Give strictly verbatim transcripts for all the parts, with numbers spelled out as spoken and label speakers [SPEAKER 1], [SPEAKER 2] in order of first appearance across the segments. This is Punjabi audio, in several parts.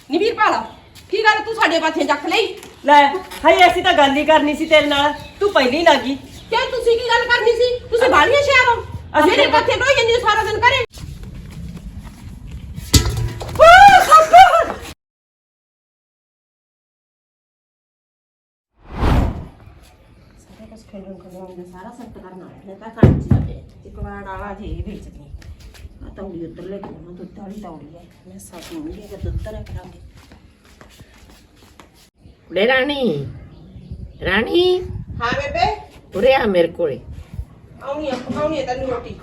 [SPEAKER 1] ਨੀ ਵੀਰਪਾਲ ਕੀ ਗੱਲ ਤੂੰ ਸਾਡੇ ਪਾਥੀਆਂ ਚੱਕ ਲਈ
[SPEAKER 2] ਲੈ ਹਾਏ ਅਸੀਂ ਤਾਂ ਗੱਲ ਹੀ ਕਰਨੀ ਸੀ ਤੇਰੇ ਨਾਲ ਤੂੰ ਪਹਿਲੀ ਲੱਗੀ
[SPEAKER 1] ਕਿਉਂ ਤੁਸੀਂ ਕੀ ਗੱਲ ਕਰਨੀ ਸੀ ਤੁਸੀਂ ਬਾਲੀਆਂ ਸ਼ਹਿਰ ਹੋ
[SPEAKER 2] ਅਸੀਂ
[SPEAKER 1] ਮੇਰੇ
[SPEAKER 2] ਤਾਂ-
[SPEAKER 1] ਪਾਥੀਆਂ ਢੋਈ ਜਾਂਦੀ ਸਾਰਾ ਦਿਨ ਘਰੇ ਸਾਰੇ ਕੁਝ ਖੇਡਣ ਖੇਡਣ ਸਾਰਾ ਸੈੱਟ ਕਰਨਾ ਹੈ ਤਾਂ ਕੰਮ ਚ ਜਾਵੇ ਇੱਕ ਵਾਰ ਆਲਾ ਜੀ ਵੇਚਦੀ ਆ ਤੌੜੀ ਉੱਧਰ ਲੈ ਕੇ ਮੈਂ ਦੁੱਧ ਵਾਲੀ ਤੌੜੀ ਹੈ ਮੈਂ ਸਭ ਨੂੰ ਵੀ ਅਗਰ ਦੁੱਧ ਤਰ ਕਰਾਂਗੇ
[SPEAKER 3] ਕੁੜੇ ਰਾਣੀ ਰਾਣੀ
[SPEAKER 1] ਹਾਂ ਬੇਬੇ
[SPEAKER 3] ਉਰੇ ਆ ਮੇਰੇ ਕੋਲੇ
[SPEAKER 1] ਆਉਣੀ ਆ ਪਕਾਉਣੀ ਆ ਤੈਨੂੰ ਰੋਟੀ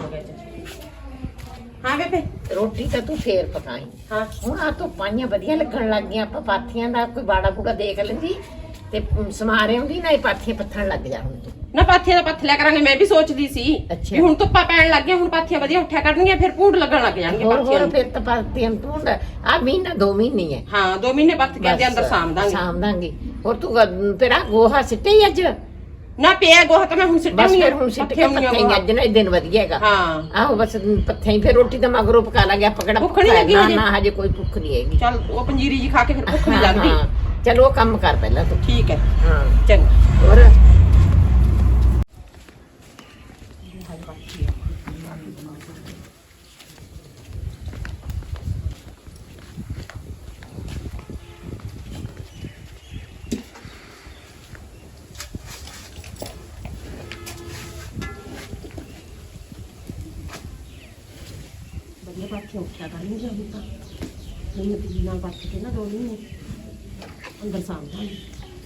[SPEAKER 1] ਹਾਂ ਬੇਬੇ
[SPEAKER 3] ਰੋਟੀ ਤਾਂ ਤੂੰ ਫੇਰ ਪਕਾਈ
[SPEAKER 1] ਹਾਂ
[SPEAKER 3] ਹੁਣ ਆ ਤੋਂ ਪਾਈਆਂ ਵਧੀਆ ਲੱਗਣ ਲੱਗ ਗਈਆਂ ਆਪਾਂ ਪਾਥੀਆਂ ਦਾ ਕੋਈ ਬਾੜਾ ਬੂੜਾ ਦੇਖ ਲੈਂਦੀ ਤੇ ਸਮਾਰੇ ਹੁੰਦੀ ਨਾ ਇਹ ਪਾਥੀਆਂ ਪੱਥਣ ਲੱਗ ਜਾ ਹੁਣ ਤੂੰ
[SPEAKER 1] ਨਾ ਪਾਥੀਆਂ ਦਾ ਪੱਥ ਲਿਆ ਕਰਾਂਗੇ ਮੈਂ ਵੀ ਸੋਚਦੀ ਸੀ
[SPEAKER 3] ਅੱਛਾ।
[SPEAKER 1] ਵੀ ਹੁਣ ਧੁੱਪਾਂ ਪੈਣ ਲੱਗ ਗਿਆ ਹੁਣ ਪਾਥੀਆਂ ਵਧੀਆ ਉੱਠਿਆ ਕਰਨਗੀਆਂ ਫਿਰ ਭੂੰਡ ਲੱਗਣ ਲੱਗ ਜਾਣਗੇ
[SPEAKER 3] ਹੋਰ
[SPEAKER 1] ਪਾਥੀਆਂ
[SPEAKER 3] ਹੋਰ
[SPEAKER 1] ਨੂੰ
[SPEAKER 3] ਫਿਰ ਤਾਂ ਪਾਥੀਆਂ ਤੂੰ ਆ ਮਹੀਨਾ ਦੋ ਮਹੀਨੇ ਹੈ
[SPEAKER 1] ਹਾਂ ਦੋ ਮਹੀਨੇ ਪੱਥ ਕੇ ਦੇ ਅੰਦਰ ਸਾਂਭ ਦਾਂਗੇ
[SPEAKER 3] ਸਾਂਭ ਦਾਂਗੇ ਹੋਰ ਤੂੰ ਗ- ਤੇਰਾ ਗੋਹਾ ਸਿੱਟੇ ਹੀ ਅੱਜ
[SPEAKER 1] ਨਾ ਪਿਆ ਗੋਹਾ ਤਾਂ ਮੈਂ ਹੁਣ ਸਿੱਟਿਆ
[SPEAKER 3] ਬਸ
[SPEAKER 1] ਨਹੀਂ
[SPEAKER 3] ਫਿਰ ਹੁਣ ਸਿੱਟ ਕੇ ਪੱਥੇ ਹੀ ਅੱਜ ਨਾ ਇਹ ਦਿਨ ਵਧੀਆ ਹੈਗਾ
[SPEAKER 1] ਹਾਂ
[SPEAKER 3] ਆਹੋ ਬਸ ਪੱਥੇ ਹੀ ਫਿਰ ਰੋਟੀ ਤਾਂ ਮਗਰੋਂ ਪਕਾ ਲਾਂਗੇ ਆਪਾਂ ਕਿਹੜਾ
[SPEAKER 1] ਭੁੱਖ ਨੀ ਲੱਗੀ
[SPEAKER 3] ਨਾ
[SPEAKER 1] ਹਜੇ?
[SPEAKER 3] ਨਾ ਹਜੇ ਕੋਈ ਭੁੱਖ ਨਹੀਂ ਹੈਗੀ
[SPEAKER 1] ਚੱਲ ਉਹ ਪੰਜੀਰੀ ਜੀ ਖਾ ਕੇ ਫਿਰ ਭੁੱਖ ਨਹੀਂ
[SPEAKER 3] ਹਾਂ,
[SPEAKER 1] ਲੱਗਦੀ
[SPEAKER 3] ਹਾਂ। ਚੱਲ ਉਹ ਕੰਮ ਕਰ ਪਹਿਲਾਂ ਤੂੰ
[SPEAKER 1] ਠੀਕ ਹੈ
[SPEAKER 3] ਹਾਂ
[SPEAKER 1] ਚੰਗਾ
[SPEAKER 3] ਹੋਰ
[SPEAKER 1] ਵਧੀਆ ਪਾਥੀਆਂ ਉੱਠਿਆ ਕਰਨਗੀਆਂ ਹੁਣ ਤਾਂ ਮੈਨੂੰ ਦੀ ਨਾਲ ਪੱਥ ਕੇ ਨਾ ਦੋ ਮਹੀਨੇ ਅੰਦਰ ਸਾਂਭ ਦਾਂਗੇ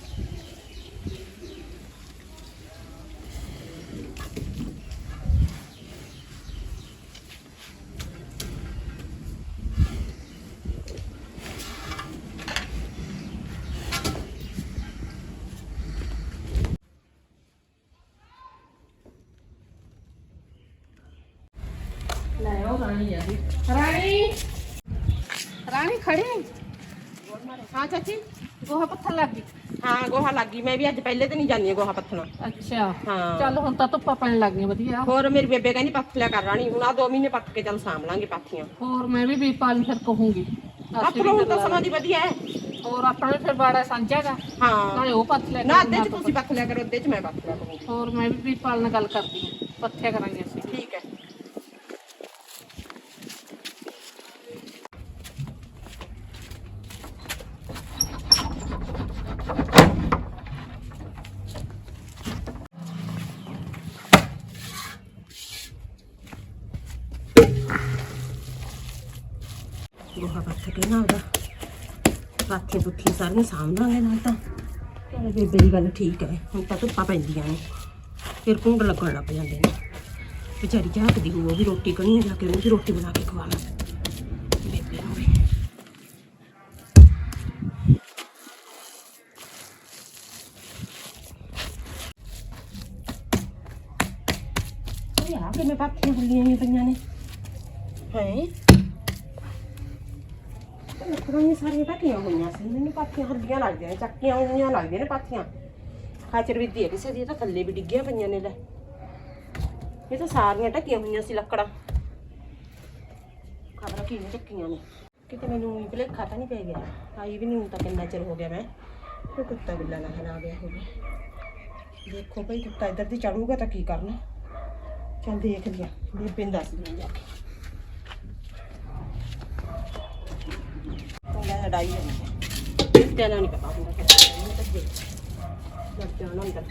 [SPEAKER 1] ਲੈ ਉਹ ਰਾਣੀ ਆ ਜੀ ਰਾਣੀ ਰਾਣੀ ਖੜੀ ਹਾਂ ਚਾਚੀ
[SPEAKER 4] ਗੋਹਾ ਪੱਥਰ ਲੱਗ ਗਈ
[SPEAKER 1] ਹਾਂ ਗੋਹਾ ਲੱਗ ਗਈ ਮੈਂ ਵੀ ਅੱਜ ਪਹਿਲੇ ਤੇ ਨਹੀਂ ਜਾਂਦੀ ਗੋਹਾ ਪੱਥਣਾ
[SPEAKER 4] ਅੱਛਾ
[SPEAKER 1] ਹਾਂ
[SPEAKER 4] ਚੱਲ ਹੁਣ ਤਾਂ ਧੁੱਪਾਂ ਪੈਣ ਲੱਗ ਗਈਆਂ ਵਧੀਆ
[SPEAKER 1] ਹੋਰ ਮੇਰੀ ਬੇਬੇ ਕਹਿੰਦੀ ਪੱਥ ਲਿਆ ਕਰ ਰਾਣੀ ਹੁਣ ਆ ਦੋ ਮਹੀਨੇ ਪੱਥ ਕੇ ਚੱਲ ਸਾਂਭ ਲਾਂਗੇ ਪਾਥੀਆਂ
[SPEAKER 4] ਹੋਰ ਮੈਂ ਵੀ ਵੀਰਪਾਲ ਨੂੰ ਫਿਰ ਕਹੂੰਗੀ
[SPEAKER 1] ਆਪਰੋ ਹੁਣ ਤਾਂ ਸਮਾਂ ਦੀ ਵਧੀਆ ਹੈ
[SPEAKER 4] ਹੋਰ ਆਪਣਾ ਵੀ ਫਿਰ ਬਾੜਾ ਸਾਂਝਾਗਾ
[SPEAKER 1] ਹਾਂ
[SPEAKER 4] ਨਾਲੇ ਉਹ ਪੱਥ ਲੈ
[SPEAKER 1] ਨਾ ਅੱਧੇ ਚ ਤੁਸੀਂ ਪੱਥ ਲਿਆ ਕਰੋ ਅੱਧੇ ਚ ਮੈਂ ਪੱਥ ਲਿਆ ਕਰੂੰਗੀ
[SPEAKER 4] ਹੋਰ ਮੈਂ ਵੀ ਵੀਰਪਾਲ ਨਾਲ ਗੱਲ ਕਰਦੀ ਹਾਂ ਪੱਥਿਆ ਕਰਾਂਗੇ ਅਸੀਂ
[SPEAKER 1] ਠੀਕ ਹੈ ਗੋਹਾ ਪੱਥ ਕੇ ਨਾ ਉਹਦਾ ਪਾਥੀਆਂ ਪੁੱਥੀਆਂ ਸਾਰੀਆਂ ਸਾਂਭਾਂਗੇ ਨਾਲ ਤਾਂ ਚਲੋ ਬੇਬੇ ਦੀ ਗੱਲ ਠੀਕ ਹੈ ਹੁਣ ਤਾਂ ਧੁੱਪਾਂ ਪੈਂਦੀਆਂ ਨੇ ਫਿਰ ਕੁੰਡ ਲੱਗਣ ਲੱਗ ਜਾਂਦੇ ਨੇ ਵਿਚਾਰੀ ਝਾਕਦੀ ਹੋਊ ਉਹ ਵੀ ਰੋਟੀ ਕਣੀ ਜਾ ਕੇ ਉਹਨੂੰ ਵੀ ਰੋਟੀ ਬਣਾ ਕੇ ਖਵਾਵਾਂ ਬੇਬੇ ਨੂੰ ਵੀ ਇਹ ਆ ਕਿਵੇਂ ਪਾਥੀਆਂ ਹੁੱਲੀਆਂ ਹੀ ਪਈਆਂ ਨੇ ਹੈ ਲੱਕੜਾਂ ਸਾਰੀਆਂ ਢੱਕੀਆਂ ਹੋਈਆਂ ਸੀ ਮੈਨੂੰ ਪਾਥੀਆਂ ਹੱਡੀਆਂ ਲੱਗਦੀਆਂ ਨੇ ਚੱਕੀਆਂ ਹੋਈਆਂ ਲੱਗਦੀਆਂ ਨੇ ਪਾਥੀਆਂ ਖਾਚਰ ਵਿੱਦੀ ਹੈ ਕਿਸੇ ਦੀ ਤਾਂ ਥੱਲੇ ਵੀ ਡਿੱਗੀਆਂ ਪਈਆਂ ਨੇ ਲੈ ਇਹ ਤਾਂ ਸਾਰੀਆਂ ਢੱਕੀਆਂ ਹੋਈਆਂ ਸੀ ਲੱਕੜਾਂ ਖਬਰਾਂ ਕਿਵੇਂ ਢੱਕੀਆਂ ਨੇ ਕਿਤੇ ਮੈਨੂੰ ਭੁਲੇਖਾ ਤਾਂ ਨਹੀਂ ਪੈ ਗਿਆ ਆਈ ਵੀ ਨਹੀਂ ਹੁਣ ਤਾਂ ਕਿੰਨਾ ਚਿਰ ਹੋ ਗਿਆ ਮੈਂ ਕੋਈ ਕੁੱਤਾ ਬਿੱਲਾ ਨਾ ਹਲਾ ਗਿਆ ਹੋਵੇ ਦੇਖੋ ਭਾਈ ਕੁੱਤਾ ਇੱਧਰ ਦੀ ਚੜੂਗਾ ਤਾਂ ਕੀ ਕਰਨਾ ਚੱਲ ਦੇਖ ਲਿਆ ਬੇਬੇ ਨੂੰ ਦੱਸ ਦਿਆਂ ਜਾ ਕੇ ਲੜਾਈ ਹੋਈ ਹੈ ਤੈਨੂੰ ਨਹੀਂ ਪਤਾ ਹੁੰਦਾ ਕਿ ਲੜ ਜਾਣਾ ਅੰਦਰ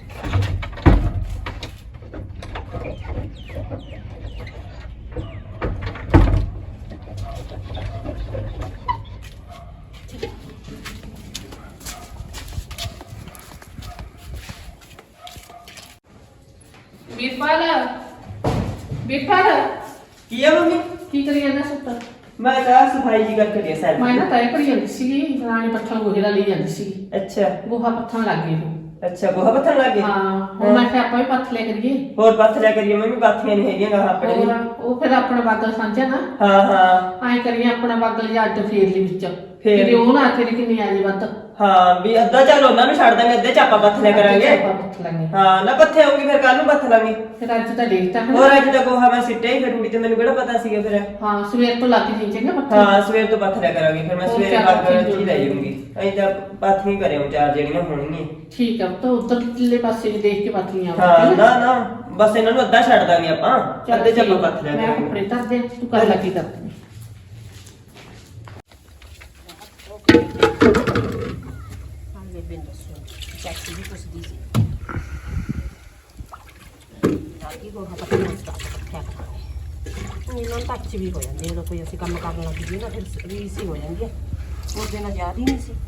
[SPEAKER 4] ਵੀਰਪਾਲ ਵੀਰਪਾਲ
[SPEAKER 2] ਕੀ ਆ ਮੰਮੀ
[SPEAKER 4] ਕੀ ਕਰੀ ਜਾਂਦਾ ਸੁੱਤਾ
[SPEAKER 2] ਮੈਂ ਤਾਂ ਸਫਾਈ ਜੀ ਕਰਕੇ ਦੇ ਸਾਰੀ
[SPEAKER 4] ਮੈਂ ਨਾ ਤੈ ਕਰੀ ਜਾਂਦੀ ਸੀਗੀ ਰਾਣੀ ਪੱਥਰ ਗੋਹੇ ਦਾ ਲਈ ਜਾਂਦੀ ਸੀਗੀ
[SPEAKER 2] ਅੱਛਾ
[SPEAKER 4] ਗੋਹਾ ਪੱਥਰ ਲੱਗ ਗਈ ਉਹ
[SPEAKER 2] ਅੱਛਾ ਗੋਹਾ ਪੱਥਰ ਲੱਗ ਗਿਆ
[SPEAKER 4] ਹਾਂ ਹੁਣ ਮੈਂ ਕਿਹਾ ਆਪਾਂ ਵੀ ਪੱਥ ਲਿਆ ਕਰੀਏ
[SPEAKER 2] ਹੋਰ ਪੱਥ ਲਿਆ ਕਰੀਏ ਮੰਮੀ ਪਾਥੀਆਂ ਨਹੀਂ ਹੈਗੀਆਂ ਗਾਹਾਂ ਆਪਣੇ
[SPEAKER 4] ਹੋਰ
[SPEAKER 2] ਲਈ।
[SPEAKER 4] ਉਹ ਫਿਰ ਆਪਣਾ ਬਾਗਲ ਸਾਂਝਾ ਨਾ
[SPEAKER 2] ਹਾਂ ਹਾਂ
[SPEAKER 4] ਐਂ ਕਰੀਏ ਆਪਣਾ ਬਾਗਲ ਜਾਂ ਅੱਡ ਫੇਰ ਲਈ ਵਿੱਚ
[SPEAKER 2] ਫੇਰ
[SPEAKER 4] ਫਿਰ ਉਹ ਨਾ ਆਖੇ ਨੇ ਕਿੰਨੀ ਆ ਜੀ ਵੱਧ
[SPEAKER 2] ਹਾਂ ਵੀ ਅੱਧਾ ਚੱਲ ਉਹਨਾਂ ਨੂੰ ਛੱਡ ਦਾਂਗੇ ਅੱਧੇ ਚਾਪਾ ਪੱਥ ਲਿਆ ਕਰਾਂਗੇ
[SPEAKER 4] ਆਪਾਂ ਪੱਥ ਲਾਂਗੇ
[SPEAKER 2] ਹਾਂ ਨਾ ਪੱਥੇ ਆਉਂਗੀ ਫਿਰ ਕੱਲ ਨੂੰ ਪੱਥ ਲਾਂਗੇ
[SPEAKER 4] ਫਿਰ ਅੱਜ ਤਾਂ ਦੇਖਤਾ ਹੈ
[SPEAKER 2] ਹੋਰ ਅੱਜ ਤਾਂ ਗੋਹਾ ਮੈਂ ਸਿੱਟਿਆ ਹੀ ਫਿਰ ਰੂੜੀ ਤੇ ਮੈਨੂੰ ਕਿਹੜਾ ਪਤਾ ਸੀਗਾ ਫਿਰ
[SPEAKER 4] ਹਾਂ ਸਵੇਰ ਤੋਂ ਲੱਗ ਜੀ ਚੰਗਾ ਪੱਥਰ
[SPEAKER 2] ਹਾਂ ਸਵੇਰ ਤੋਂ ਪੱਥ ਲਿਆ ਕਰਾਂਗੇ ਫਿਰ ਮੈਂ
[SPEAKER 4] ਹੋਰ
[SPEAKER 2] ਸਵੇਰੇ
[SPEAKER 4] ਚਾਰ
[SPEAKER 2] ਬਾਅਦ
[SPEAKER 4] ਪੱਥੀ
[SPEAKER 2] ਚ ਹੀ ਲੈ ਜਾਊਂਗੀ ਅਸੀਂ ਤਾਂ ਪਾਥੀਆਂ ਹੀ ਕਰਿਓ ਚਾਰ ਜਿਹੜੀਆਂ ਹੋਣਗੀਆਂ
[SPEAKER 4] ਠੀਕ ਆ ਤਾਂ ਉੱਧਰ ਕਿੱਲੇ ਪਾਸੇ ਵੀ ਦੇਖ ਕੇ ਪੱਥੀਆਂ
[SPEAKER 2] ਹਾਂ ਨਾ ਨਾ ਬਸ ਇਹਨਾਂ ਨੂੰ ਅੱਧਾ ਛੱਡ ਦਾਂਗੇ ਆਪਾਂ ਅੱਧੇ ਚਾਪਾ ਪੱਥ ਲਿਆ
[SPEAKER 4] ਮੈਂ
[SPEAKER 2] ਕਰਾਂਗੇ
[SPEAKER 4] ਕੱਪੜੇ ਧਰ ਦੇ ਤੂੰ ਕਰ ਲੱਗੀ ਕਰਦੀ
[SPEAKER 1] ਹਾਂ ਬੇਬੇ ਨੂੰ ਦੱਸੋ ਚਾਚੀ ਵੀ ਪੁੱਛਦੀ ਸੀ ਦਾਦੀ ਕੋ ਹੱਥ ਪੱਥਿਆ ਕਰਾਂਗੇ ਇਹਨਾਂ ਤੱਕ ਵੀ ਹੋ ਜਾਂਦੇ ਜਦੋਂ ਕੋਈ ਅਸੀਂ ਕੰਮ ਕਰਨ ਲੱਗ ਜੀਏ ਨਾ ਫਿਰ ਰੀਸ ਹੀ ਹੋ ਜਾਂਦੀ ਹੈ ਉਹਦੇ ਨਾਲ ਯਾਦ ਹੀ ਨਹੀਂ ਸੀ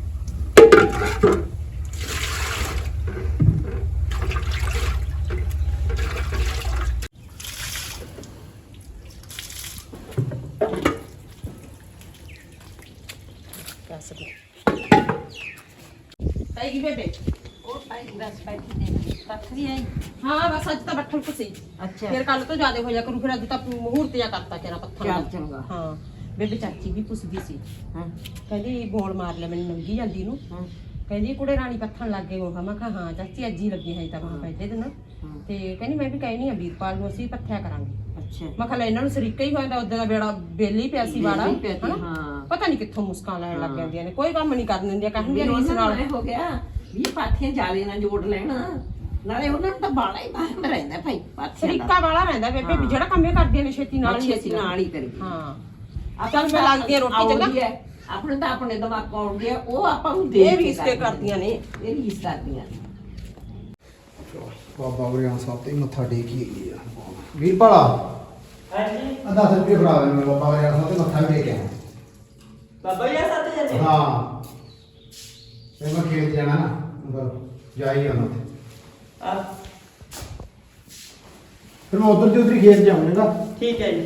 [SPEAKER 1] ਆਏਗੀ ਬੇਬੇ
[SPEAKER 3] ਉਹ ਪਾਈ ਬਸ ਬੈਠੀ ਦੇ ਪੱਥ ਵੀ ਆਈ
[SPEAKER 1] ਹਾਂ ਬਸ ਅੱਜ ਤਾਂ ਬੱਠਲ ਕੁ ਸੀ
[SPEAKER 3] ਅੱਛਾ
[SPEAKER 1] ਫਿਰ ਕੱਲ ਤੋਂ ਜ਼ਿਆਦਾ ਹੋ ਜਾ ਕਰੂ ਫਿਰ ਅੱਜ ਤਾਂ ਮਹੂਰਤ ਜਾ ਕਰਤਾ ਤੇਰਾ ਪੱਥਰ
[SPEAKER 3] ਚੱਲ
[SPEAKER 1] ਦਾ।
[SPEAKER 3] ਚੰਗਾ
[SPEAKER 1] ਹਾਂ ਬੇਬੇ ਚਾਚੀ ਵੀ ਪੁੱਛਦੀ ਸੀ
[SPEAKER 3] ਹਾਂ
[SPEAKER 1] ਕਹਿੰਦੀ ਗੋਲ ਮਾਰ ਲਿਆ ਮੈਨੂੰ ਨੰਗੀ ਜਾਂਦੀ ਨੂੰ
[SPEAKER 3] ਹਾਂ
[SPEAKER 1] ਕਹਿੰਦੀ ਕੁੜੇ ਰਾਣੀ ਪੱਥਣ ਲੱਗ ਗਏ ਉਹ ਮੈਂ ਕਿਹਾ ਹਾਂ ਚਾਚੀ ਅੱਜ ਹੀ ਲੱਗੀ ਹੈ ਤਾਂ ਮੈਂ ਪਹਿਲੇ ਦਿਨ
[SPEAKER 3] ਹਾਂ
[SPEAKER 1] ਤੇ ਕਹਿੰਦੀ ਮੈਂ ਵੀ ਕਹਿਣੀ ਆ ਵੀਰਪਾਲ ਨੂੰ ਅਸੀਂ ਪੱਥਿਆ ਕਰਾਂਗੇ
[SPEAKER 3] ਅੱਛਾ
[SPEAKER 1] ਮੈਂ ਕਿਹਾ ਲੈ ਇਹਨਾਂ ਨੂੰ ਸਰੀਕਾ ਹੀ ਹੋਇਆ ਉਦੋਂ ਦਾ ਬੇੜਾ ਬੇਲੀ ਪਿਆ ਸੀ ਵਾੜਾ
[SPEAKER 3] ਵਿਹਲੀ ਪਿਆ ਸੀ,
[SPEAKER 1] ਹਨਾ?
[SPEAKER 3] ਹਾਂ।
[SPEAKER 1] ਪਤਾ ਨਹੀਂ ਕਿੱਥੋਂ ਮੁਸਕਾਂ ਲੈਣ ਲੱਗ
[SPEAKER 3] ਹਾਂ।
[SPEAKER 1] ਜਾਂਦੀਆਂ ਨੇ ਕੋਈ ਕੰਮ ਨਹੀਂ ਕਰਨ ਦਿੰਦੀਆਂ ਕਹਿੰਦੀਆਂ
[SPEAKER 3] ਵੀ
[SPEAKER 1] ਰੀਸ
[SPEAKER 3] ਉਹਨਾਂ
[SPEAKER 1] ਨਾਲ
[SPEAKER 3] ਨਾਲ ਹੋ ਗਿਆ ਵੀ ਪਾਥੀਆਂ ਜਾਲੇ ਨਾਲ ਜੋੜ ਲੈਣਾ ਨਾਲੇ ਉਹਨਾਂ ਨੂੰ ਤਾਂ ਬਾਲਾ ਹੀ ਬਾਹਰ ਰਹਿੰਦਾ ਭਾਈ ਪਾਥੀਆਂ ਦਾ
[SPEAKER 1] ਸਰੀਕਾ ਵਾਲਾ ਰਹਿੰਦਾ ਬੇਬੇ ਵੀ ਜਿਹੜਾ ਕੰਮ ਇਹ ਕਰਦੀਆਂ ਨੇ ਛੇਤੀ ਨਾਲ ਹੀ
[SPEAKER 3] ਅਸੀਂ ਨਾਲ ਹੀ ਕਰੀਏ
[SPEAKER 1] ਹਾਂ ਚੱਲ ਮੈਂ ਲੱਗਦੀ ਆ ਰੋਟੀ ਚੰਗਾ
[SPEAKER 3] ਆਉਂਦੀ ਹੈ, ਆਪਣੇ ਤਾਂ ਆਪਣੇ ਦਿਮਾਗ ਕੋਲ ਆਉਂਦੀ ਹੈ ਉਹ ਆਪਾਂ ਨੂੰ ਦੇਖ
[SPEAKER 1] ਇਹ
[SPEAKER 3] ਕੇ
[SPEAKER 1] ਵੀ ਇਸਤੇ ਕਰਦੀਆਂ ਨੇ
[SPEAKER 3] ਇਹ ਵੀ ਇਸ ਕਰਦੀਆਂ ਨੇ
[SPEAKER 5] ਬਾਬਾ ਵਰਿਆਣ ਸਾਹਿਬ ਤੇ ਮੱਥਾ ਟੇਕੀ ਗਈ ਆ ਵੀਰਪਾਲਾ
[SPEAKER 2] ਹਾਂਜੀ
[SPEAKER 5] ਆ ਦਸ ਰੁਪਏ ਫੜਾ ਦੇ ਮੈਨੂੰ ਬਾਬਾ ਵਰਿਆਣ ਸਾਹਿਬ ਤੇ ਮੱਥਾ ਵੀ ਟੇਕ ਆਇਆ
[SPEAKER 2] ਬਾਬਾ ਜੀ ਆ ਸੱਤ ਜਾਂਦੇ
[SPEAKER 5] ਹਾਂ ਤੇ ਮੈਂ ਖੇਤ ਜਾਣਾ ਨਾ ਮਗਰ ਜਾਈ ਆਉਣਾ ਤੇ
[SPEAKER 2] ਆ
[SPEAKER 5] ਫਿਰ ਮੈਂ ਉਧਰ ਦੀ ਉਧਰ ਹੀ ਖੇਤ ਜਾਊਂਗਾ
[SPEAKER 2] ਠੀਕ ਹੈ ਜੀ